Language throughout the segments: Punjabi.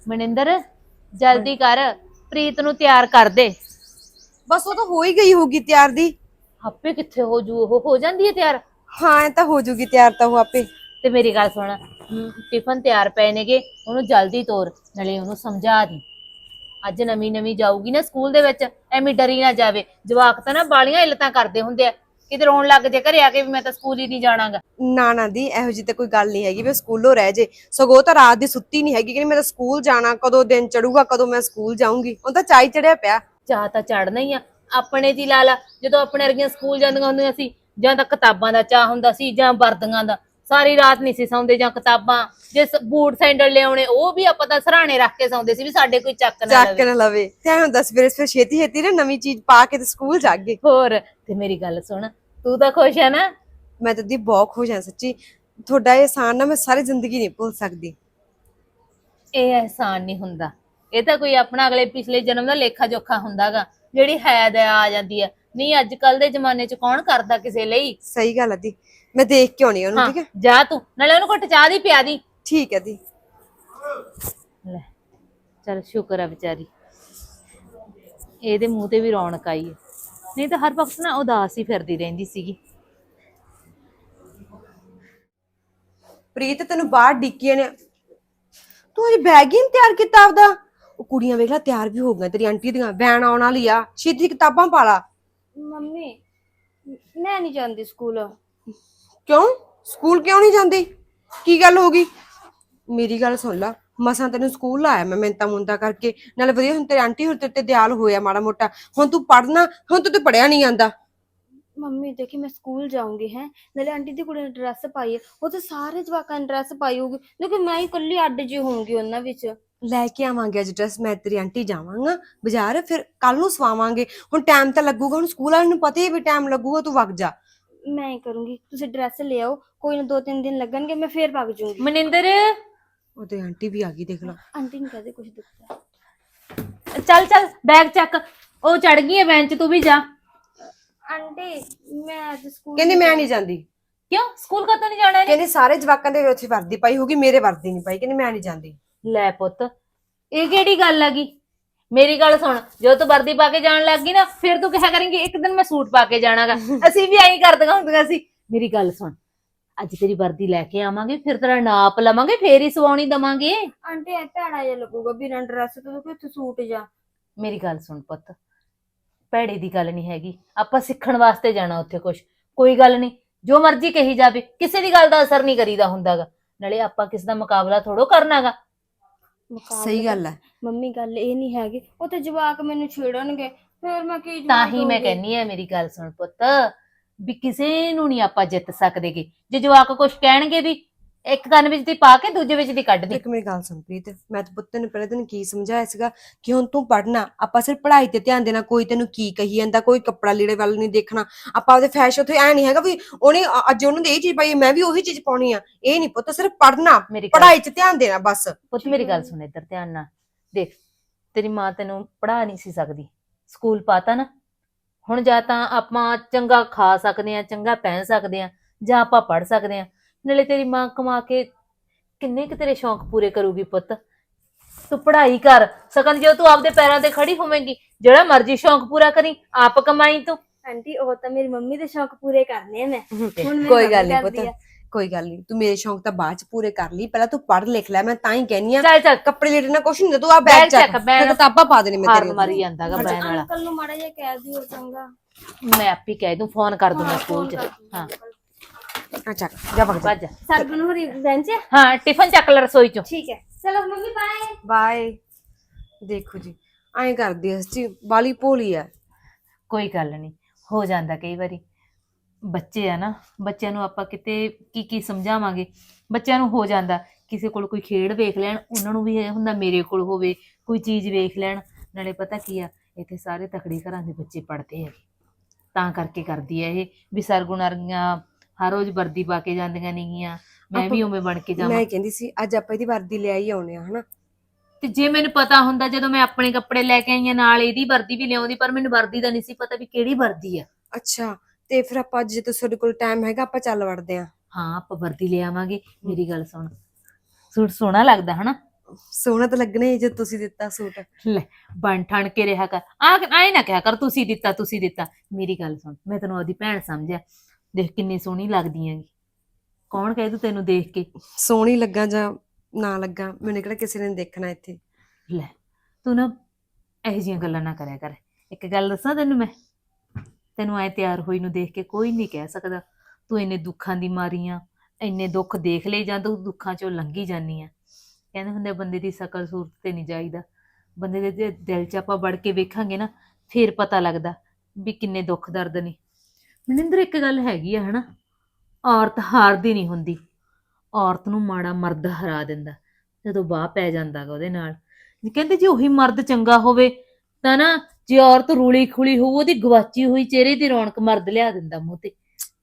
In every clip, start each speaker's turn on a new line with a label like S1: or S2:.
S1: ਮਨਿੰਦਰ ਜਲਦੀ ਕਰ, ਪ੍ਰੀਤ ਨੂੰ ਤਿਆਰ ਕਰ ਦੇ।
S2: ਬਸ ਉਹ ਤਾਂ ਹੋ ਹੀ ਗਈ ਹੋਗੀ ਤਿਆਰ ਦੀ।
S1: ਆਪੇ ਕਿੱਥੇ ਹੋ ਜੂ, ਉਹ ਹੋ ਜਾਂਦੀ ਹੈ ਤਿਆਰ।
S2: ਹਾਂ ਇਹ ਤਾਂ ਹੋ ਜੂਗੀ ਤਿਆਰ ਤਾਂ ਉਹ ਆਪੇ।
S1: ਤੇ ਮੇਰੀ ਗੱਲ ਸੁਣ, ਟਿਫਨ ਤਿਆਰ ਪਏ ਨੇਗੇ, ਉਹਨੂੰ ਜਲਦੀ ਤੋਰ, ਨਾਲੇ ਉਹਨੂੰ ਸਮਝਾ ਦੀ। ਅੱਜ ਨਵੀਂ ਨਵੀਂ ਜਾਊਗੀ ਨਾ ਸਕੂਲ ਦੇ ਵਿੱਚ, ਐਵੇਂ ਡਰੀ ਨਾ ਜਾਵੇ। ਜਵਾਕ ਤਾਂ ਨਾ ਬਾਲੀਆਂ ਇਲਤਾਂ ਕਰਦੇ ਹੁੰਦੇ ਆ, ਕਿਤੇ ਰੋਣ ਲੱਗ ਜੇ ਘਰੇ ਆ ਕੇ ਵੀ ਮੈਂ ਤਾਂ ਸਕੂਲ ਹੀ ਨਹੀਂ ਜਾਣਾਗਾ।
S2: ਨਾ ਨਾ ਦੀ ਇਹੋ ਜਿਹੀ ਤਾਂ ਕੋਈ ਗੱਲ ਨਹੀਂ ਹੈਗੀ ਵੀ ਸਕੂਲੋਂ ਰਹਿ ਜੇ। ਸਗੋਂ ਤਾਂ ਰਾਤ ਦੀ ਸੁੱਤੀ ਨਹੀਂ ਹੈਗੀ ਕਿ ਮੈਂ ਤਾਂ ਸਕੂਲ ਜਾਣਾ, ਕਦੋਂ ਦਿਨ ਚੜੂਗਾ, ਕਦੋਂ ਮੈਂ ਸਕੂਲ ਜਾਊਂਗੀ। ਉਹ ਤਾਂ ਚਾਈ ਚੜਿਆ ਪਿਆ।
S1: ਚਾਹ ਤਾਂ ਚੜਨਾ ਹੀ ਆ। ਆਪਣੇ ਦੀ ਲਾ ਲਾ, ਜਦੋਂ ਆਪਣੇ ਵਰਗੀਆਂ ਸਕੂਲ ਜਾਂਦੀਆਂ ਹੁੰਦੀਆਂ ਸੀ, ਜਾਂ ਤਾਂ ਕਿਤਾਬਾਂ ਦਾ ਚਾਹ ਹੁੰਦਾ ਸੀ ਜਾਂ ਵਰਦੀਆਂ ਦਾ। ਸਾਰੀ ਰਾਤ ਨਹੀਂ ਸੀ ਸੌਂਦੇ, ਜਾਂ ਕਿਤਾਬਾਂ, ਜੇ ਬੂਟ ਸੈਂਡਲ ਲਿਆਉਣੇ ਉਹ ਵੀ ਆਪਾਂ ਤਾਂ ਸਰਾਣੇ ਰੱਖ ਕੇ ਸੌਂਦੇ ਸੀ ਵੀ ਸਾਡੇ ਕੋਈ ਚੱਕ ਨਾ
S2: ਚੱਕ
S1: ਲਵੇ।
S2: ਨਾ ਲਵੇ ਤੇ ਐਂ ਹੁੰਦਾ ਸਵੇਰੇ ਸਵੇਰੇ ਛੇਤੀ ਛੇਤੀ ਨਾ ਨਵੀਂ ਚੀਜ਼ ਪਾ ਕੇ ਤੇ ਸਕੂਲ ਜਾਗੇ।
S1: ਹੋਰ ਤੇ ਮੇਰੀ ਗੱਲ ਸੁਣ, ਤੂੰ ਤਾਂ ਖੁਸ਼ ਹੈ ਨਾ?
S2: ਮੈਂ ਤਾਂ ਦੀ ਬਹੁਤ ਖੁਸ਼ ਹਾਂ ਸੱਚੀ। ਤੁਹਾਡਾ ਇਹ ਅਹਿਸਾਨ ਨਾ ਮੈਂ ਸਾਰੀ ਜ਼ਿੰਦਗੀ ਨਹੀਂ ਭੁੱਲ ਸਕਦੀ।
S1: ਇਹ ਅਹਿਸਾਨ ਨਹੀਂ ਹੁੰਦਾ, ਇਹ ਤਾਂ ਕੋਈ ਆਪਣਾ ਅਗਲੇ ਪਿਛਲੇ ਜਨਮ ਦਾ ਲੇਖਾ ਜੋਖਾ ਹੁੰਦਾਗਾ, ਜਿਹੜੀ ਹੈ ਦਇਆ ਆ ਜਾਂਦੀ ਆ। ਨਹੀਂ ਅੱਜ ਕੱਲ ਦੇ ਜ਼ਮਾਨੇ 'ਚ ਕੌਣ ਕਰਦਾ ਕਿਸੇ ਲਈ।
S2: ਸਹੀ ਗੱਲ ਆ ਦੀ, ਮੈਂ ਦੇਖ ਕੇ ਆਉਣੀ ਉਹਨੂੰ।
S1: ਹਾਂ
S2: ਠੀਕ ਹੈ
S1: ਜਾ ਤੂੰ, ਨਾਲੇ ਉਹਨੂੰ ਘੁੱਟ ਚਾਹ ਦੀ ਪਿਆ ਦੀ।
S2: ਠੀਕ ਹੈ ਦੀ।
S1: ਲੈ ਚੱਲ ਸ਼ੁਕਰ ਆ ਵਿਚਾਰੀ, ਇਹਦੇ ਮੂੰਹ ਤੇ ਵੀ ਰੌਣਕ ਆਈ ਹੈ, ਨਹੀਂ ਤਾਂ ਹਰ ਵਕਤ ਨਾ ਉਦਾਸ ਹੀ ਫਿਰਦੀ ਰਹਿੰਦੀ ਸੀਗੀ।
S2: ਪ੍ਰੀਤ ਤੈਨੂੰ ਬਾਹਰ ਡਿੱਕੀਆਂ ਨੇ, ਤੂੰ ਅਜੇ ਬੈਗ ਹੀ ਨੀ ਤਿਆਰ ਕੀਤਾ ਆਪਦਾ। ਉਹ ਕੁੜੀਆਂ ਵੇਖ ਲੈ ਤਿਆਰ ਵੀ ਹੋ ਗਈਆਂ ਤੇਰੀ ਆਂਟੀ ਦੀਆਂ, ਵੈਨ ਆਉਣ ਵਾਲੀ ਆ, ਛੇਤੀ ਕਿਤਾਬਾਂ ਪਾ ਲਾ।
S3: ਮੰਮੀ ਮੈਂ ਨਹੀਂ ਜਾਂਦੀ ਸਕੂਲ।
S2: ਕਿਉਂ ਸਕੂਲ ਕਿਉਂ ਨਹੀਂ ਜਾਂਦੀ? ਕੀ ਗੱਲ ਹੋ ਗਈ? ਮੇਰੀ ਗੱਲ ਸੁਣ ਲਾ, ਮਸਾਂ ਤੈਨੂੰ ਸਕੂਲ ਲਾਇਆ ਮੈਂ ਮਿੰਤਾ ਮੁੰਤਾ ਕਰਕੇ, ਨਾਲੇ ਵਧੀਆ ਹੁਣ ਤੇਰੀ ਆਂਟੀ ਹੋਰ ਤੇਰੇ ਤੇ ਦਿਆਲ ਹੋਇਆ ਮਾੜਾ ਮੋਟਾ। ਹੁਣ ਤੂੰ ਪੜ੍ਹਨਾ, ਹੁਣ ਤੂੰ ਤੇ ਪੜਿਆ ਨਹੀਂ ਜਾਂਦਾ।
S3: ਮੰਮੀ ਦੇਖੀ ਮੈਂ ਸਕੂਲ ਜਾਊਂਗੀ ਹੈ, ਨਾਲੇ ਆਂਟੀ ਦੀ ਕੁੜੀ ਨੇ ਡਰੈਸ ਪਾਈ ਹੈ, ਉਹ ਤੇ ਸਾਰੇ ਜਵਾਕਾਂ ਨੇ ਡਰੈਸ ਪਾਈ ਹੋਊਗੀ, ਲੇਕਿਨ ਮੈਂ ਹੀ ਇਕੱਲੀ ਅੱਡ ਜੀ ਹੋਊਂਗੀ ਉਹਨਾਂ ਵਿੱਚ।
S2: ਲੈ ਕੇ ਆਵਾਂਗੇ ਅੱਜ ਡਰੈਸ, ਮੈਂ ਤੇਰੀ ਆਂਟੀ ਜਾਵਾਂਗਾ ਬਾਜ਼ਾਰ, ਫਿਰ ਕੱਲ ਨੂੰ ਸਵਾਵਾਂਗੇ। ਹੁਣ ਟਾਈਮ ਤਾਂ ਲੱਗੂਗਾ, ਹੁਣ ਸਕੂਲ ਵਾਲਿਆਂ ਨੂੰ ਪਤਾ ਹੀ ਵੀ ਟਾਈਮ ਲੱਗੂਗਾ, ਤੂੰ ਵਗ ਜਾ।
S3: ਮੈਂ ਹੀ ਕਰੂੰਗੀ, ਤੁਸੀਂ ਡਰੈਸ ਲੈ ਆਓ, ਕੋਈ ਨਾ 2-3 ਦਿਨ ਲੱਗਣਗੇ, ਮੈਂ ਫੇਰ ਵਗ ਜਾਊਂਗੀ।
S1: ਮਨਿੰਦਰ
S2: ਉਹਦੇ ਆਂਟੀ ਵੀ ਆ ਗਈ ਦੇਖ ਲਾ।
S3: ਆਂਟੀ ਨੂੰ ਕਹਦੇ ਕੁਝ ਦਿੱਤਾ।
S1: ਚੱਲ ਚੱਲ ਬੈਗ ਚੱਕ, ਉਹ ਚੜ ਗਈ ਹੈ ਬੈਂਚ, ਤੂੰ ਵੀ ਜਾ।
S3: ਆਂਟੀ ਮੈਂ ਅੱਜ ਸਕੂਲ
S2: ਕਹਿੰਦੀ ਮੈਂ ਨਹੀਂ ਜਾਂਦੀ।
S1: ਕਿਉਂ ਸਕੂਲ ਕਦੋਂ ਨਹੀਂ ਜਾਣਾ ਇਹਨੇ?
S2: ਕਹਿੰਦੀ ਸਾਰੇ ਜਵਾਕਾਂ ਦੇ ਉੱਥੇ ਵਰਦੀ ਪਾਈ ਹੋਗੀ, ਮੇਰੇ ਵਰਦੀ ਨਹੀਂ ਪਾਈ, ਕਹਿੰਦੀ ਮੈਂ ਨਹੀਂ ਜਾਂਦੀ।
S1: ਲੈ ਪੁੱਤ, ਇਹ ਕਿਹੜੀ ਗੱਲ ਹੈਗੀ? ਮੇਰੀ ਗੱਲ ਸੁਣ, ਜਦੋਂ ਤੂੰ ਵਰਦੀ ਪਾ ਕੇ ਜਾਣ ਲੱਗ ਗਈ ਨਾ, ਫਿਰ ਤੂੰ ਕਿਹਾ ਕਰੇਂਗੀ ਇੱਕ ਦਿਨ ਮੈਂ ਸੂਟ ਪਾ ਕੇ ਜਾਣਾਗਾ। ਅਸੀਂ ਵੀ ਐਂ ਕਰਦੀਆਂ ਹੁੰਦੀਆਂ ਸੀ। ਮੇਰੀ ਗੱਲ ਸੁਣ, ਅੱਜ ਤੇਰੀ ਵਰਦੀ ਲੈ ਕੇ ਆਵਾਂਗੇ, ਫਿਰ ਤੇਰਾ ਨਾਪ ਲਵਾਂਗੇ, ਫੇਰ ਹੀ ਸਵਾਉਣੀ ਦਵਾਂਗੇ।
S3: ਆਂਟੀ ਐ ਭੈੜਾ ਜਿਹਾ ਲੱਗੂਗਾ ਬਿਨਾਂ ਡਰੈਸ ਤੋਂ, ਕਿੱਥੇ ਸੂਟ ਜਾ।
S1: ਮੇਰੀ ਗੱਲ ਸੁਣ ਪੁੱਤ, ਭੈੜੇ ਦੀ ਗੱਲ ਨਹੀਂ ਹੈਗੀ, ਆਪਾਂ ਸਿੱਖਣ ਵਾਸਤੇ ਜਾਣਾ ਉੱਥੇ ਕੁਛ। ਕੋਈ ਗੱਲ ਨਹੀਂ, ਜੋ ਮਰਜ਼ੀ ਕਹੀ ਜਾਵੇ, ਕਿਸੇ ਦੀ ਗੱਲ ਦਾ ਅਸਰ ਨਹੀਂ ਕਰੀਦਾ ਹੁੰਦਾਗਾ। ਨਾਲੇ ਆਪਾਂ ਕਿਸ ਦਾ ਮੁਕਾਬਲਾ ਥੋੜੋ ਕਰਨਾਗਾ।
S2: ਸਹੀ ਗੱਲ ਹੈ
S3: ਮੰਮੀ, ਗੱਲ ਇਹ ਨਹੀਂ ਹੈਗੀ, ਉਹ ਤੇ ਜਵਾਕ ਮੈਨੂੰ ਛੇੜਨਗੇ, ਫਿਰ ਮੈਂ ਕੀ
S1: ਤਾਂ
S3: ਜਵਾਬ
S1: ਹੀ ਮੈਂ
S3: ਦਊਂਗੀ?
S1: ਕਹਿੰਨੀ ਆ, ਮੇਰੀ ਗੱਲ ਸੁਣ ਪੁੱਤ, ਵੀ ਕਿਸੇ ਨੂੰ ਨਹੀਂ ਆਪਾਂ ਜਿੱਤ ਸਕਦੇਗੇ। ਜੇ ਜਵਾਕ ਕੁਛ ਕਹਿਣਗੇ ਵੀ, ਇੱਕ ਕੰਨ ਵਿੱਚ ਦੀ ਪਾ ਕੇ ਦੂਜੇ ਵਿੱਚ ਦੀ ਕੱਢ ਦੇ।
S2: ਇੱਕ ਮੇਰੀ ਗੱਲ ਸੁਣ ਪ੍ਰੀਤ, ਮੈਂ ਤਾਂ ਪੁੱਤ ਨੂੰ ਪਹਿਲੇ ਦਿਨ ਕੀ ਸਮਝਾਇਆ ਸੀਗਾ ਕਿ ਹੁਣ ਤੂੰ ਪੜ੍ਹਨਾ, ਆਪਾਂ ਸਿਰਫ ਪੜ੍ਹਾਈ ਤੇ ਧਿਆਨ ਦੇਣਾ। ਕੋਈ ਤੈਨੂੰ ਕੀ ਕਹੀ ਜਾਂਦਾ, ਕੋਈ ਕੱਪੜਾ ਲੀੜੇ ਵੱਲ ਨਹੀਂ ਦੇਖਣਾ। ਆਪਾਂ ਉਹਦੇ ਫੈਸ਼ਨ ਉੱਥੇ ਐ ਨਹੀਂ ਹੈਗਾ ਵੀ ਉਹਨੇ ਅੱਜ ਉਹਨੂੰ ਇਹ ਚੀਜ਼ ਪਾਈ ਮੈਂ ਵੀ ਉਹੀ ਚੀਜ਼ ਪਾਉਣੀ ਆ। ਇਹ ਨਹੀਂ ਪੁੱਤ, ਸਿਰਫ ਪੜ੍ਹਨਾ,
S1: ਮੇਰੀ ਗੱਲ
S2: ਪੜ੍ਹਾਈ 'ਚ ਧਿਆਨ ਦੇਣਾ ਬਸ।
S1: ਪੁੱਤ ਮੇਰੀ ਗੱਲ ਸੁਣ ਇੱਧਰ ਧਿਆਨ ਨਾਲ ਦੇਖ, ਤੇਰੀ ਮਾਂ ਤੈਨੂੰ ਪੜ੍ਹਾ ਨਹੀਂ ਸੀ ਸਕਦੀ, ਸਕੂਲ ਪਾਤਾ ਨਾ। ਹੁਣ ਜਾਂ ਤਾਂ ਆਪਾਂ ਚੰਗਾ ਖਾ ਸਕਦੇ ਆ, ਚੰਗਾ ਪਹਿਨ ਸਕਦੇ ਆ, ਜਾਂ ਆਪਾਂ ਪੜ੍ਹ ਸਕਦੇ ਆ। ਨਾਲੇ ਤੇਰੀ ਮਾਂ ਕਮਾ ਕੇ ਕਿੰਨੇ ਕੁ ਤੇਰੇ ਸ਼ੌਂਕ ਪੂਰੇ ਕਰੂਗੀ ਪੁੱਤ। ਤੂੰ ਪੜ੍ਹਾਈ ਕਰ ਸਕਣ, ਜਦੋਂ ਤੂੰ ਆਪਦੇ ਪੈਰਾਂ ਤੇ ਖੜੀ ਹੋਵੇਂਗੀ, ਜਿਹੜਾ ਮਰਜ਼ੀ ਸ਼ੌਂਕ ਪੂਰਾ ਕਰੀ, ਆਪ ਕਮਾਈ ਤੂੰ।
S3: ਆਂਟੀ ਉਹ ਤਾਂ ਮੇਰੀ ਮੰਮੀ ਦੇ ਸ਼ੌਕ ਪੂਰੇ ਕਰਨੇ ਆ ਮੈਂ। ਹੁਣ ਮੇਰੀ
S2: ਕੋਈ ਗੱਲ
S3: ਮੰਮੀ
S2: ਨਹੀਂ
S3: ਕਰਦੀ
S2: ਪੁੱਤ,
S3: ਆ।
S2: ਕੋਈ ਗੱਲ ਨਹੀਂ, ਤੂੰ ਮੇਰੇ ਸ਼ੌਂਕ ਤਾਂ ਬਾਅਦ 'ਚ ਪੂਰੇ ਕਰ ਲਈ, ਪਹਿਲਾਂ ਤੂੰ ਪੜ੍ਹ ਲਿਖ ਲੈ। ਮੈਂ ਤਾਂ ਹੀ ਕਹਿੰਨੀ ਆ,
S1: ਚੱਲ ਚੱਲ
S2: ਕੱਪੜੇ ਲੀੜੇ ਨਾਲ ਕੁਛ ਨਹੀਂ ਹੁੰਦਾ, ਤੂੰ ਆ ਬੈਗ ਚੱਕ, ਮੈਂ ਕਿਤਾਬਾਂ ਪਾ ਦੇਣੀ ਮੈਂ
S1: ਹਾਰਨ
S2: ਤੇਰੇ
S1: ਮਾਰੀ ਜਾਂਦਾਗਾ
S2: ਉੱਤੇ।
S1: ਬੈਨ ਵਾਲਾ।
S3: ਅੰਕਲ ਨੂੰ ਮਾੜਾ ਜਿਹਾ ਕਹਿ ਦਿਓ ਚੰਗਾ।
S1: ਮੈਂ ਆਪੇ ਕਹਿ ਦੂੰ, ਫੋਨ ਕਰ ਦੂੰ ਮੈਂ ਸਕੂਲ 'ਚ। ਹਾਂ
S2: ਆ ਚੱਕ ਜਾ ਭੱਜ
S1: ਭੱਜ।
S3: ਸਰਗੁਣ ਹੋਰੀ ਬੈਂਚ ਹੈ?
S1: ਹਾਂ ਟਿਫਨ ਚੱਕ ਲੈ ਰਸੋਈ 'ਚੋਂ।
S3: ਠੀਕ ਹੈ, ਚਲੋ ਮੰਮੀ ਬਾਏ।
S2: ਬਾਏ। ਦੇਖੋ ਜੀ ਐਂ ਕਰਦੀ ਐ ਸੱਚੀ, ਬਾਲੀ ਭੋਲੀ ਐ।
S1: ਕੋਈ ਗੱਲ ਨਹੀਂ, ਹੋ ਜਾਂਦਾ ਕਈ ਵਾਰੀ। ਬੱਚੇ ਆ ਨਾ, ਬੱਚਿਆਂ ਨੂੰ ਆਪਾਂ ਕਿਤੇ ਕੀ ਕੀ ਸਮਝਾਵਾਂਗੇ। ਬੱਚਿਆਂ ਨੂੰ ਹੋ ਜਾਂਦਾ, ਕਿਸੇ ਕੋਲ ਕੋਈ ਖੇਡ ਵੇਖ ਲੈਣ, ਉਹਨਾਂ ਨੂੰ ਵੀ ਇਹ ਹੁੰਦਾ ਮੇਰੇ ਕੋਲ ਹੋਵੇ, ਕੋਈ ਚੀਜ਼ ਵੇਖ ਲੈਣ। ਨਾਲੇ ਪਤਾ ਕੀ ਆ, ਇੱਥੇ ਸਾਰੇ ਤਕੜੇ ਘਰਾਂ ਦੇ ਬੱਚੇ ਪੜ੍ਹਦੇ ਆ, ਤਾਂ ਕਰਕੇ ਕਰਦੀ ਆ ਇਹ ਵੀ ਸਰਗੁਣ ਵਰਗੀਆਂ ਹਰ ਰੋਜ਼ ਵਰਦੀ ਪਾ ਕੇ ਜਾਂਦੀਆਂ ਨੇਗੀਆਂ, ਮੈਂ ਵੀ ਉਵੇਂ ਬਣ ਕੇ ਜਾਵਾਂ।
S2: ਮੈਂ ਕਹਿੰਦੀ ਸੀ ਅੱਜ ਆਪਾਂ ਇਹਦੀ ਵਰਦੀ ਲੈ ਹੀ ਆਉਣੇ ਆ ਹਨਾ।
S1: ਤੇ ਜੇ ਮੈਨੂੰ ਪਤਾ ਹੁੰਦਾ, ਜਦੋਂ ਮੈਂ ਆਪਣੇ ਕੱਪੜੇ ਲੈ ਕੇ ਆਈ ਆ, ਨਾਲ ਇਹਦੀ ਵਰਦੀ ਵੀ ਲਿਆਉਂਦੀ, ਪਰ ਮੈਨੂੰ ਵਰਦੀ ਦਾ ਨਹੀਂ ਸੀ ਪਤਾ ਵੀ ਕਿਹੜੀ ਵਰਦੀ ਆ।
S2: ਅੱਛਾ, ਤੇ ਫਿਰ ਆਪਾਂ ਅੱਜ ਜੇ ਤੁਹਾਡੇ ਕੋਲ ਟਾਈਮ ਹੈਗਾ ਆਪਾਂ ਚੱਲ ਵੜਦੇ ਆ।
S1: ਹਾਂ ਆਪਾਂ ਵਰਦੀ ਲੈ ਆਵਾਂਗੇ। ਮੇਰੀ ਗੱਲ ਸੁਣ, ਸੂਟ ਸੋਹਣਾ ਲੱਗਦਾ ਹਨਾ?
S2: ਸੋਹਣਾ ਤਾਂ ਲੱਗਣਾ ਹੀ ਜੇ ਤੁਸੀਂ ਦਿੱਤਾ ਸੂਟ।
S1: ਲੈ ਬਣ ਠਣ ਕੇ ਰਿਹਾ ਕਰ, ਆਏ ਨਾ ਕਿਹਾ ਕਰ ਤੁਸੀਂ ਦਿੱਤਾ ਤੁਸੀਂ ਦਿੱਤਾ। ਮੇਰੀ ਗੱਲ ਸੁਣ, ਮੈਂ ਤੈਨੂੰ ਉਹਦੀ ਭੈਣ ਸਮਝਿਆ, ਦੇਖ ਕਿੰਨੀ ਸੋਹਣੀ ਲੱਗਦੀ ਹੈਗੀ। ਕੌਣ ਕਹਿ ਦੂ ਤੈਨੂੰ ਦੇਖ ਕੇ।
S2: ਸੋਹਣੀ ਲੱਗਾ ਜਾਂ ਨਾ ਲੱਗਾ, ਮੈਨੂੰ ਕਿਹੜਾ ਕਿਸੇ ਨੇ ਦੇਖਣਾ ਇੱਥੇ।
S1: ਲੈ ਤੂੰ ਨਾ ਇਹੋ ਜਿਹੀਆਂ ਗੱਲਾਂ ਨਾ ਕਰਿਆ ਕਰ। ਇੱਕ ਗੱਲ ਦੱਸਾਂ ਤੈਨੂੰ ਮੈਂ, ਤੈਨੂੰ ਐ ਤਿਆਰ ਹੋਈ ਨੂੰ ਦੇਖ ਕੇ ਕੋਈ ਨਹੀਂ ਕਹਿ ਸਕਦਾ ਤੂੰ ਇੰਨੇ ਦੁੱਖਾਂ ਦੀ ਮਾਰੀ ਆ। ਇੰਨੇ ਦੁੱਖ ਦੇਖ ਲਏ ਜਾਂ ਤੂੰ ਦੁੱਖਾਂ ਚੋਂ ਲੰਘੀ ਜਾਂਦੀ ਆ। ਕਹਿੰਦੇ ਹੁੰਦੇ ਬੰਦੇ ਦੀ ਸ਼ਕਲ ਸੂਰਤ ਤੇ ਨਹੀਂ ਜਾਈਦਾ, ਬੰਦੇ ਦੇ ਜੇ ਦਿਲ 'ਚ ਆਪਾਂ ਵੜ ਕੇ ਵੇਖਾਂਗੇ ਨਾ ਫੇਰ ਪਤਾ ਲੱਗਦਾ ਵੀ ਕਿੰਨੇ ਦੁੱਖ ਦਰਦ ਨੇ। ਮਨਿੰਦਰ ਇੱਕ ਗੱਲ ਹੈਗੀ ਆ ਹਨਾ, ਔਰਤ ਹਾਰਦੀ ਨਹੀਂ ਹੁੰਦੀ। ਔਰਤ ਨੂੰ ਮਾੜਾ ਮਰਦ ਹਰਾ ਦਿੰਦਾ ਜਦੋਂ ਬਾਹ ਪੈ ਜਾਂਦਾ ਗਾ ਉਹਦੇ ਨਾਲ। ਕਹਿੰਦੇ ਜੇ ਉਹੀ ਮਰਦ ਚੰਗਾ ਹੋਵੇ ਤਾਂ ਨਾ, ਜੇ ਔਰਤ ਰੂਲੀ ਖੁਲੀ ਹੋਊ ਉਹਦੀ ਗਵਾਚੀ ਹੋਈ ਚਿਹਰੇ ਦੀ ਰੌਣਕ ਮਰਦ ਲਿਆ ਦਿੰਦਾ ਮੂੰਹ ਤੇ।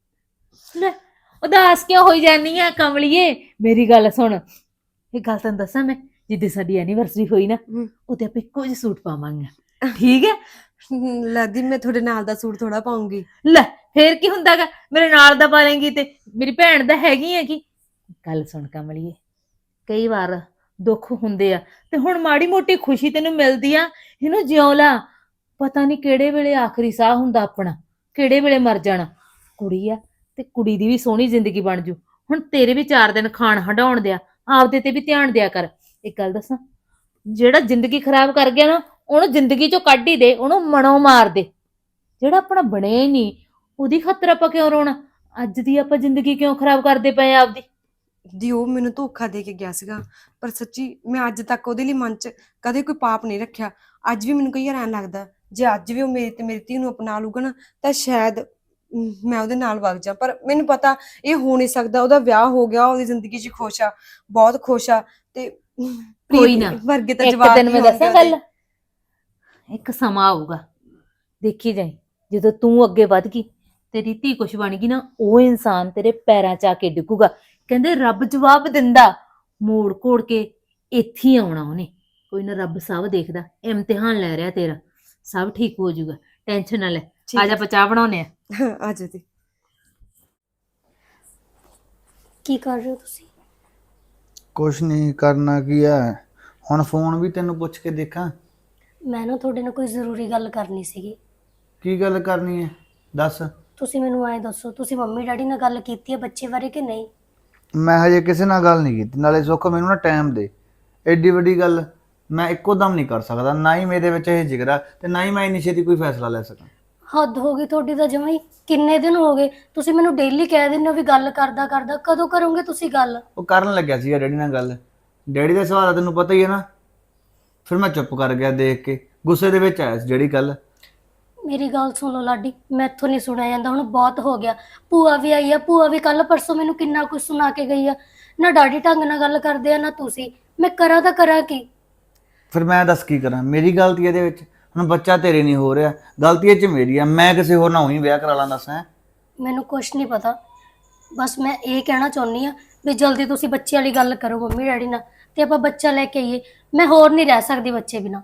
S1: ਲੈ ਉਦਾਸ ਕਿਉਂ ਹੋਈ ਜਾਨੀ ਆ ਕਮਲੀਏ? ਮੇਰੀ ਗੱਲ ਸੁਣ, ਇਹ ਗੱਲ ਤੈਨੂੰ ਦੱਸਾਂ ਮੈਂ, ਜਿੱਦੇ ਸਾਡੀ ਐਨੀਵਰਸਰੀ ਹੋਈ ਨਾ ਉਹਦੇ ਆਪਾਂ ਇੱਕੋ ਜਿਹੇ ਸੂਟ ਪਾਵਾਂਗੇ, ਠੀਕ ਹੈ?
S2: ਲੱਗਦੀ ਮੈਂ ਤੁਹਾਡੇ ਨਾਲ ਦਾ ਸੂਟ ਥੋੜਾ ਪਾਉਂਗੀ।
S1: ਲੈ ਫੇਰ ਕੀ ਹੁੰਦਾਗਾ, ਮੇਰੇ ਨਾਲ ਦਾ ਪਾ ਲੇਂਗੀ ਤੇ ਮੇਰੀ ਭੈਣ ਦਾ ਹੈਗੀ ਆ। ਕੀ ਗੱਲ ਸੁਣ ਕਮਲੀਏ, ਕਈ ਵਾਰ ਦੁੱਖ ਹੁੰਦੇ ਆ ਤੇ ਹੁਣ ਮਾੜੀ ਮੋਟੀ ਖੁਸ਼ੀ ਤੈਨੂੰ ਮਿਲਦੀ ਆ, ਇਹਨੂੰ ਜਿਉਂ ਲਾ। ਪਤਾ ਨਹੀਂ ਕਿਹੜੇ ਵੇਲੇ ਆਖਰੀ ਸਾਹ ਹੁੰਦਾ ਆਪਣਾ, ਕਿਹੜੇ ਵੇਲੇ ਮਰ ਜਾਣਾ। ਕੁੜੀ ਆ ਤੇ ਕੁੜੀ ਦੀ ਵੀ ਸੋਹਣੀ ਜ਼ਿੰਦਗੀ ਬਣ ਜੂ। ਹੁਣ ਤੇਰੇ ਵੀ 4 ਦਿਨ ਖਾਣ ਹਟਾਉਣ ਦਿਆ, ਆਪਦੇ ਤੇ ਵੀ ਧਿਆਨ ਦਿਆ ਕਰ। ਇੱਕ ਗੱਲ ਦੱਸਾਂ, ਜਿਹੜਾ ਜ਼ਿੰਦਗੀ ਖਰਾਬ ਕਰ ਗਿਆ ਨਾ ਉਹਨੂੰ ਜ਼ਿੰਦਗੀ ਚੋਂ ਕੱਢ ਹੀ ਦੇ, ਉਹਨੂੰ ਮਨੋਂ ਮਾਰ ਦੇ। ਜਿਹੜਾ ਆਪਣਾ ਬਣਿਆ ਹੀ ਨਹੀਂ ਉਹਦੀ ਖਾਤਰ ਆਪਾਂ ਕਿਉਂ ਰੋਣਾ? ਅੱਜ ਦੀ ਆਪਾਂ ਜ਼ਿੰਦਗੀ ਕਿਉਂ ਖਰਾਬ ਕਰਦੇ ਪਏ ਆ ਆਪਦੀ?
S2: ਦੀ ਉਹ ਮੈਨੂੰ ਧੋਖਾ ਦੇ ਕੇ ਗਿਆ ਸੀਗਾ, ਪਰ ਸੱਚੀ ਮੈਂ ਅੱਜ ਤੱਕ ਉਹਦੇ ਲਈ ਮਨ 'ਚ ਕਦੇ ਕੋਈ ਪਾਪ ਨਹੀਂ ਰੱਖਿਆ। ਅੱਜ ਵੀ ਮੈਨੂੰ ਕਈ ਵਾਰ ਐਂ ਲੱਗਦਾ ਜੇ ਅੱਜ ਵੀ ਉਹ ਮੇਰੀ ਧੀ ਨੂੰ ਅਪਣਾ ਲੂਗਾ ਨਾ ਤਾਂ ਸ਼ਾਇਦ ਮੈਂ ਉਹਦੇ ਨਾਲ ਵਗ ਜਾ। ਪਰ ਮੈਨੂੰ ਪਤਾ ਇਹ ਹੋ ਨਹੀਂ ਸਕਦਾ। ਉਹਦਾ ਵਿਆਹ ਹੋ ਗਿਆ, ਉਹਦੀ ਜ਼ਿੰਦਗੀ 'ਚ ਖੁਸ਼ ਆ, ਬਹੁਤ ਖੁਸ਼ ਆ। ਤੇ
S1: ਕੋਈ ਨਾ,
S2: ਵਰਗੇ ਤਾਂ
S1: ਇੱਕ
S2: ਜਵਾਬ
S1: ਦਿਨ ਮੈਂ ਦੱਸਾਂ ਗੱਲ, ਇੱਕ ਸਮਾਂ ਆਊਗਾ ਦੇਖੀ ਜਾਈ, ਜਦੋਂ ਤੂੰ ਅੱਗੇ ਵੱਧ ਗਈ, ਤੇਰੀ ਧੀ ਕੁਛ ਬਣ ਗਈ ਨਾ, ਉਹ ਇਨਸਾਨ ਤੇਰੇ ਪੈਰਾਂ 'ਚ ਆ ਕੇ ਡਿੱਗੂਗਾ। ਕਹਿੰਦੇ ਰੱਬ ਜਵਾਬ ਦਿੰਦਾ ਮੋੜ ਕੋੜ ਕੇ, ਇੱਥੇ ਹੀ ਆਉਣਾ ਉਹਨੇ। ਕੋਈ ਨਾ, ਰੱਬ ਸਭ ਦੇਖਦਾ, ਇਮਤਿਹਾਨ ਲੈ ਰਿਹਾ ਤੇਰਾ, ਸਭ ਠੀਕ ਹੋ ਜਾਊਗਾ, ਟੈਨਸ਼ਨ ਨਾ ਲੈ। ਆ ਜਾ ਚਾਹ ਬਣਾਉਨੇ ਆ।
S2: ਆ ਜਾ ਤੇ।
S3: ਕੀ ਕਰ ਰਹੇ ਹੋ ਤੁਸੀਂ?
S4: ਕੁਛ ਨਹੀਂ ਕਰਨਾ ਕੀ ਹੈ, ਹੁਣ ਫੋਨ ਵੀ ਤੈਨੂੰ ਪੁੱਛ ਕੇ ਦੇਖਾਂ।
S3: ਮੈਂ ਨਾ ਤੁਹਾਡੇ ਨਾਲ ਕੋਈ ਜ਼ਰੂਰੀ ਗੱਲ ਕਰਨੀ ਸੀਗੀ।
S4: ਕੀ ਗੱਲ ਕਰਨੀ ਹੈ ਦੱਸ।
S3: ਤੁਸੀਂ ਮੈਨੂੰ ਐਂ ਦੱਸੋ, ਤੁਸੀਂ ਮੰਮੀ ਡੈਡੀ ਨਾਲ ਗੱਲ ਕੀਤੀ ਹੈ ਬੱਚੇ ਬਾਰੇ ਕਿ ਨਹੀਂ?
S4: ਮੈਂ ਹਜੇ ਕਿਸੇ ਨਾਲ ਗੱਲ ਨਹੀਂ ਕੀਤੀ, ਨਾਲੇ ਸੁੱਖ ਮੈਨੂੰ ਨਾ ਟਾਈਮ ਦੇ। ਐਡੀ ਵੱਡੀ ਗੱਲ ਮੈਂ ਇੱਕੋ ਦਮ ਨਹੀਂ ਕਰ ਸਕਦਾ, ਨਾ ਹੀ ਮੇਰੇ ਵਿੱਚ ਇਹ ਜਿਗਰਾ ਤੇ ਨਾ ਹੀ ਮੈਂ ਇੰਨੀ ਛੇਤੀ ਕੋਈ ਫੈਸਲਾ ਲੈ ਸਕਾਂ।
S3: ਹੱਦ ਹੋ ਗਈ ਤੁਹਾਡੀ ਤਾਂ ਜਮਾਂ ਹੀ। ਕਿੰਨੇ ਦਿਨ ਹੋ ਗਏ ਤੁਸੀਂ ਮੈਨੂੰ ਡੇਲੀ ਕਹਿ ਦਿੰਦੇ ਹੋ ਵੀ ਗੱਲ ਕਰਦਾ ਕਰਦਾ, ਕਦੋਂ ਕਰੋਗੇ ਤੁਸੀਂ ਗੱਲ?
S4: ਉਹ ਕਰਨ ਲੱਗਿਆ ਸੀਗਾ ਡੈਡੀ ਨਾਲ ਗੱਲ। ਡੈਡੀ ਦਾ ਸੁਭਾਅ ਤੈਨੂੰ ਪਤਾ ਹੀ ਹੈ ਨਾ, ਫਿਰ ਮੈਂ ਚੁੱਪ ਕਰ ਗਿਆ ਦੇਖ ਕੇ, ਗੁੱਸੇ ਦੇ ਵਿੱਚ ਆਇਆ ਸੀ ਜਿਹੜੀ ਗੱਲ।
S3: ਮੇਰੀ ਗੱਲ ਸੁਣ ਲਓ ਲਾਡੀ, ਮੈਥੋਂ ਨਹੀਂ ਸੁਣਿਆ ਜਾਂਦਾ, ਹੁਣ ਬਹੁਤ ਹੋ ਗਿਆ। ਭੂਆ ਵੀ ਆਈ ਆ, ਭੂਆ ਵੀ ਕੱਲ ਪਰਸੋਂ ਮੈਨੂੰ ਕਿੰਨਾ ਕੁਝ ਸੁਣਾ ਕੇ ਗਈ ਆ। ਨਾ ਡੈਡੀ ਢੰਗ ਨਾਲ ਗੱਲ ਕਰਦੇ ਆ ਨਾ ਤੁਸੀਂ, ਮੈਂ ਕਰਾਂ ਤਾਂ ਕਰਾਂ ਕੀ?
S4: ਫਿਰ ਮੈਂ ਦੱਸ ਕੀ ਕਰਾਂ, ਮੇਰੀ ਗਲਤੀ ਇਹਦੇ ਵਿੱਚ? ਹੁਣ ਬੱਚਾ ਤੇਰੇ ਨਹੀਂ ਹੋ ਰਿਹਾ, ਗਲਤੀ ਇਹ 'ਚ ਮੇਰੀ ਆ। ਮੈਂ ਕਿਸੇ ਹੋਰ ਨਾਲ ਉਹੀ ਵਿਆਹ ਕਰਾ ਲਾਂ ਦੱਸ? ਹੈ
S3: ਮੈਨੂੰ ਕੁਛ ਨਹੀਂ ਪਤਾ, ਬਸ ਮੈਂ ਇਹ ਕਹਿਣਾ ਚਾਹੁੰਦੀ ਆ ਵੀ ਜਲਦੀ ਤੁਸੀਂ ਬੱਚੇ ਵਾਲੀ ਗੱਲ ਕਰੋ ਮੰਮੀ ਡੈਡੀ ਨਾਲ ਤੇ ਆਪਾਂ ਬੱਚਾ ਲੈ ਕੇ ਆਈਏ। ਮੈਂ ਹੋਰ ਨਹੀਂ ਰਹਿ ਸਕਦੀ ਬੱਚੇ ਬਿਨਾਂ।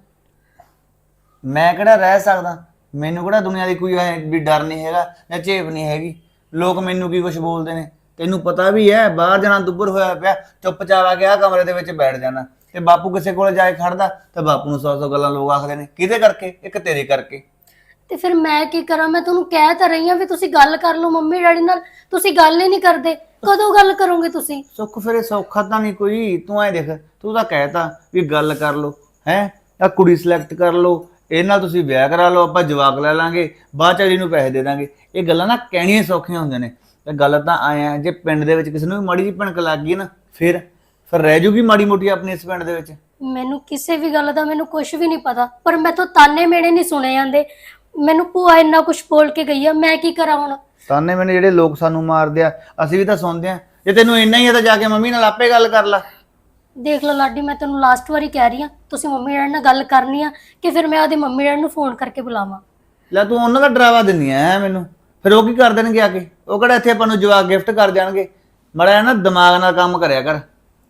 S4: ਮੈਂ ਕਿਹੜਾ ਰਹਿ ਸਕਦਾ? ਮੈਨੂੰ ਕਿਹੜਾ ਦੁਨੀਆ ਦੀ ਕੋਈ ਵੀ ਡਰ ਨਹੀਂ ਹੈਗਾ ਜਾਂ ਝੇਪ ਨਹੀਂ ਹੈਗੀ। ਲੋਕ ਮੈਨੂੰ ਕੀ ਕੁਝ ਬੋਲਦੇ ਨੇ ਤੈਨੂੰ ਪਤਾ ਵੀ ਹੈ। ਬਾਹਰ ਜਾਣਾ ਦੁੱਬਰ ਹੋਇਆ ਪਿਆ, ਚੁੱਪਚਾਪ ਆ ਕੇ ਆਹ ਕਮਰੇ ਦੇ ਵਿੱਚ ਬੈਠ ਜਾਣਾ। ਤੇ ਬਾਪੂ ਕਿਸੇ ਕੋਲ ਜਾ ਕੇ ਖੜਦਾ ਤੇ ਬਾਪੂ ਨੂੰ 100 ਗੱਲਾਂ ਲੋਕ ਆਖਦੇ ਨੇ। ਕਿਹਦੇ ਕਰਕੇ? ਇੱਕ ਤੇਰੇ ਕਰਕੇ।
S3: ਤੇ ਫਿਰ ਮੈਂ ਕੀ ਕਰਾਂ? ਮੈਂ ਤੁਹਾਨੂੰ ਕਹਿ ਤਾਂ ਰਹੀ ਹਾਂ ਵੀ ਤੁਸੀਂ ਗੱਲ ਕਰ ਲਓ ਮੰਮੀ ਡੈਡੀ ਨਾਲ, ਤੁਸੀਂ ਗੱਲ ਹੀ ਨਹੀਂ ਕਰਦੇ। ਕਦੋਂ ਗੱਲ ਕਰੋਗੇ ਤੁਸੀਂ?
S4: ਸੁੱਖ ਫਿਰ ਇਹ ਸੌਖਾ ਤਾਂ ਨਹੀਂ ਕੋਈ। ਤੂੰ ਐ ਦੇਖ, ਤੂੰ ਤਾਂ ਕਹਿਤਾ ਵੀ ਗੱਲ ਕਰ ਲਓ, ਹੈ ਆ ਕੁੜੀ ਸਿਲੈਕਟ ਕਰ ਲਓ, ਇਹ ਨਾਲ ਤੁਸੀਂ ਵਿਆਹ ਕਰਾ ਲਓ, ਆਪਾਂ ਜਵਾਕ ਲੈ ਲਾਂਗੇ, ਬਾਅਦ ਚ ਅਗਲੀ ਨੂੰ ਪੈਸੇ ਦੇ ਦਾਂਗੇ। ਇਹ ਗੱਲਾਂ ਨਾ ਕਹਿਣੀਆਂ ਸੌਖੀਆਂ ਹੁੰਦੀਆਂ ਨੇ, ਤੇ ਗੱਲ ਤਾਂ ਆਇਆ ਜੇ ਪਿੰਡ ਦੇ ਵਿੱਚ ਕਿਸੇ ਨੂੰ ਵੀ ਮਾੜੀ ਜਿਹੀ ਭਣਕ ਲੱਗ ਗਈ ਨਾ, ਫਿਰ ਰਹਿ ਜੂਗੀ ਮਾੜੀ ਮੋਟੀ ਆਪਣੀ ਇਸ ਪਿੰਡ ਦੇ ਵਿੱਚ।
S3: ਮੈਨੂੰ ਕਿਸੇ ਵੀ ਗੱਲ ਦਾ ਮੈਨੂੰ ਕੁਝ ਵੀ ਨਹੀਂ ਪਤਾ, ਪਰ ਮੈਥੋਂ ਤਾਨੇ ਮੇੜੇ ਨਹੀਂ ਸੁਣੇ ਜਾਂਦੇ। ਮੈਨੂੰ ਭੂਆ ਇੰਨਾ ਕੁਝ ਬੋਲ ਕੇ ਗਈ ਆ, ਮੈਂ ਕੀ ਕਰਾਂ ਹੁਣ?
S4: ਤਾਨੇ ਮੈਨੇ ਜਿਹੜੇ ਲੋਕ ਸਾਨੂੰ ਮਾਰਦੇ ਆ, ਅਸੀਂ ਵੀ ਤਾਂ ਸੁਣਦੇ ਆ। ਜੇ ਤੈਨੂੰ ਇੰਨਾ ਹੀ ਆ ਤਾਂ ਜਾ ਕੇ ਮੰਮੀ ਨਾਲ ਆਪੇ ਗੱਲ ਕਰ ਲੈ।
S3: ਦੇਖ ਲਓ ਲਾਡੀ, ਮੈਂ ਤੈਨੂੰ ਲਾਸਟ ਵਾਰੀ ਕਹਿ ਰਹੀ ਆ, ਤੁਸੀਂ ਮੰਮੀ ਡੈਡੀ ਨਾਲ ਗੱਲ ਕਰਨੀ ਆ ਕਿ ਫਿਰ ਮੈਂ ਉਹਦੇ ਮੰਮੀ ਡੈਡੀ ਨੂੰ ਫੋਨ ਕਰਕੇ ਬੁਲਾਵਾਂ?
S4: ਲੈ ਤੂੰ ਉਹਨਾਂ ਦਾ ਡਰਾਵਾ ਦਿੰਦੀ ਆ ਮੈਨੂੰ, ਫਿਰ ਉਹ ਕੀ ਕਰ ਦੇਣਗੇ ਆ ਕੇ? ਉਹ ਕਿਹੜਾ ਇੱਥੇ ਆਪਾਂ ਨੂੰ ਜਵਾਕ ਗਿਫਟ ਕਰ ਜਾਣਗੇ? ਮਾੜਾ ਨਾ ਦਿਮਾਗ ਨਾਲ ਕੰਮ ਕਰਿਆ ਕਰ।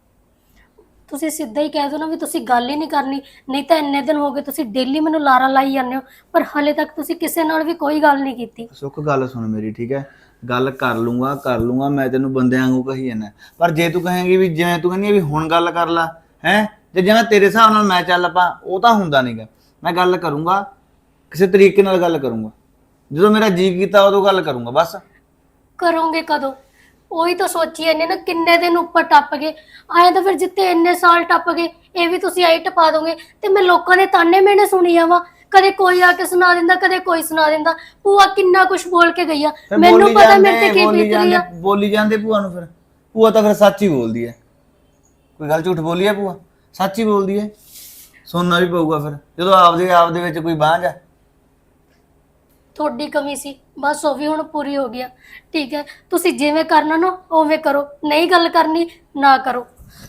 S3: ਤੁਸੀਂ ਸਿੱਧਾ ਹੀ ਕਹਿ ਦਿਓ ਨਾ ਵੀ ਤੁਸੀਂ ਗੱਲ ਹੀ ਨਹੀਂ ਕਰਨੀ। ਨਹੀਂ ਤਾਂ ਇੰਨੇ ਦਿਨ ਹੋ ਗਏ ਤੁਸੀਂ ਡੇਲੀ ਮੈਨੂੰ ਲਾਰਾ ਲਾਈ ਜਾਂਦੇ ਹੋ, ਪਰ ਹਲੇ ਤੱਕ ਤੁਸੀਂ ਕਿਸੇ ਨਾਲ ਵੀ ਕੋਈ ਗੱਲ ਨਹੀਂ ਕੀਤੀ।
S4: ਸੁੱਖ ਗੱਲ ਸੁਣ ਮੇਰੀ, ਠੀਕ ਹੈ? ਗੱਲ ਕਰ ਲੂੰਗਾ ਮੈਂ ਤੈਨੂੰ ਬੰਦਿਆਂ ਵਾਂਗੂ ਕਹੀ ਜਾਂਦਾ। ਪਰ ਜੇ ਤੂੰ ਕਹੇਂਗੀ ਵੀ ਜਿਵੇਂ ਤੂੰ ਕਹਿੰਦੀ ਵੀ ਹੁਣ ਗੱਲ ਕਰ ਲਾ, ਹੈ ਜੇ ਜਿਵੇਂ ਤੇਰੇ ਹਿਸਾਬ ਨਾਲ ਮੈਂ ਚੱਲ ਪਾ ਉਹ ਤਾਂ ਹੁੰਦਾ ਨਹੀਂਗਾ। ਮੈਂ ਗੱਲ ਕਰੂੰਗਾ, ਕਿਸੇ ਤਰੀਕੇ ਨਾਲ ਗੱਲ ਕਰੂੰਗਾ, ਜਦੋਂ ਮੇਰਾ ਜੀ ਕੀਤਾ ਉਦੋਂ ਗੱਲ ਕਰੂੰਗਾ ਬਸ।
S3: ਕਰੋਗੇ ਕਦੋਂ? ਉਹੀ ਤਾਂ ਸੋਚੀ ਜਾਂਦੇ ਨਾ, ਕਿੰਨੇ ਦਿਨ ਉੱਪਰ ਟੱਪ ਗਏ। ਆਏ ਤਾਂ ਫਿਰ ਜਿੱਤੇ ਇੰਨੇ ਸਾਲ ਟੱਪ ਗਏ ਇਹ ਵੀ ਤੁਸੀਂ ਆਈ ਟਪਾ ਦੋਗੇ ਤੇ ਮੈਂ ਲੋਕਾਂ ਦੇ ਤਾਨੇ ਮੇਨੇ ਸੁਣੀ ਜਾਵਾਂ। ਕਦੇ ਕੋਈ ਆ ਕੇ ਸੁਣਾ ਦਿੰਦਾ, ਕਦੇ ਕੋਈ ਸੁਣਾ ਦਿੰਦਾ। ਭੂਆ ਕਿੰਨਾ ਕੁਝ ਬੋਲ ਕੇ ਗਈ ਆ,
S4: ਫਿਰ
S3: ਮੈਨੂੰ
S4: ਬੋਲੀ
S3: ਪਤਾ ਮੇਰੇ
S4: ਜਾਂਦੇ,
S3: ਤੇ ਕੀ ਬੀਤ ਰਹੀ ਆ।
S4: ਬੋਲੀ ਜਾਂਦੇ ਭੂਆ ਨੂੰ। ਫਿਰ ਭੂਆ ਤਾਂ ਫਿਰ ਸੱਚ ਹੀ ਬੋਲਦੀ ਹੈ, ਕੋਈ ਗੱਲ ਝੂਠ ਬੋਲੀ ਹੈ ਭੂਆ? ਸੱਚ ਹੀ ਬੋਲਦੀ ਹੈ। ਸੁਣਨਾ ਵੀ ਪਊਗਾ ਫਿਰ ਜਦੋਂ ਆਪਦੇ ਵਿੱਚ ਕੋਈ ਬਾਂਝ ਆ।
S3: ਤੁਹਾਡੀ ਕਮੀ ਸੀ ਬਸ, ਉਹ ਵੀ ਹੁਣ ਪੂਰੀ ਹੋ ਗਿਆ। ਠੀਕ ਹੈ, ਤੁਸੀਂ ਜਿਵੇਂ ਕਰਨਾ ਨਾ ਉਵੇਂ ਕਰੋ, ਨਹੀਂ ਗੱਲ ਕਰਨੀ ਨਾ ਕਰੋ।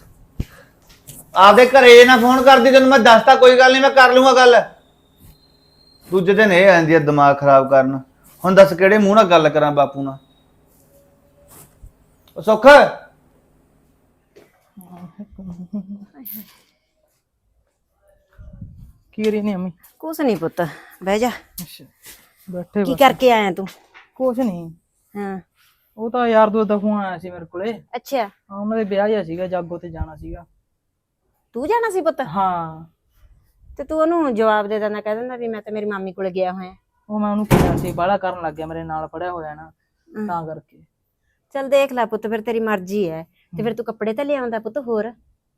S4: ਆਪਦੇ ਘਰੇ ਨਾ ਫੋਨ ਕਰਦੀ, ਤੈਨੂੰ ਮੈਂ ਦੱਸਤਾ। ਕੋਈ ਗੱਲ ਨਹੀਂ, ਮੈਂ ਕਰ ਲੂੰਗਾ ਗੱਲ। ਦੂਜੇ ਦਿਨ ਇਹ ਆਂਦੀ ਆ ਦਿਮਾਗ ਖਰਾਬ ਕਰਨ। ਹੁਣ ਦੱਸ ਕਿਹੜੇ ਮੂੰਹ ਨਾਲ ਗੱਲ ਕਰਾਂ ਬਾਪੂ ਨਾਲ? ਉਹ ਸੁੱਖ,
S5: ਕੀ ਕਰੀ ਨਹੀਂ ਅਮੀ?
S6: ਕੁਛ ਨਹੀਂ ਪੁੱਤ, ਬਹਿ ਜਾ।
S5: ਅੱਛਾ, ਬੈਠੇ
S6: ਕੀ
S5: ਬਸ।
S6: ਕਰਕੇ ਆਇਆ ਤੂੰ?
S5: ਕੁਛ ਨਹੀਂ,
S6: ਹਾਂ,
S5: ਉਹ ਤਾਂ ਯਾਰ ਦੋਸਤ ਦਾ ਫੋਨ ਆਇਆ ਸੀ ਮੇਰੇ ਕੋਲੇ।
S6: ਅੱਛਾ,
S5: ਹਾਂ, ਉਹਨਾਂ ਦੇ ਵਿਆਹ ਜਿਹਾ ਸੀਗਾ, ਜਾਗੋ ਤੇ ਜਾਣਾ ਸੀਗਾ।
S6: ਤੂੰ ਜਾਣਾ ਸੀ ਪੁੱਤ?
S5: ਹਾਂ,
S6: ਤੇ ਤੂੰ ਉਹਨੂੰ ਜਵਾਬ ਦੇ ਦਿੰਦਾ, ਕਹਿ ਦਿੰਦਾ ਵੀ ਮੈਂ ਤਾਂ ਮੇਰੀ ਮਾਮੀ ਕੋਲੇ ਗਿਆ ਹੋਇਆ।
S5: ਉਹ ਮੈਂ ਉਹਨੂੰ ਕਿਹਾ ਸੀ, ਬਾਹਲਾ ਕਰਨ ਲੱਗ ਗਿਆ, ਮੇਰੇ ਨਾਲ ਪੜਿਆ ਹੋਇਆ ਨਾ, ਤਾਂ ਕਰਕੇ।
S6: ਚੱਲ ਦੇਖ ਲੈ ਪੁੱਤ, ਫਿਰ ਤੇਰੀ ਮਰਜ਼ੀ ਹੈ। ਤੇ ਫਿਰ ਤੂੰ ਕੱਪੜੇ ਤਾਂ ਲਿਆਉਂਦਾ ਪੁੱਤ ਹੋਰ।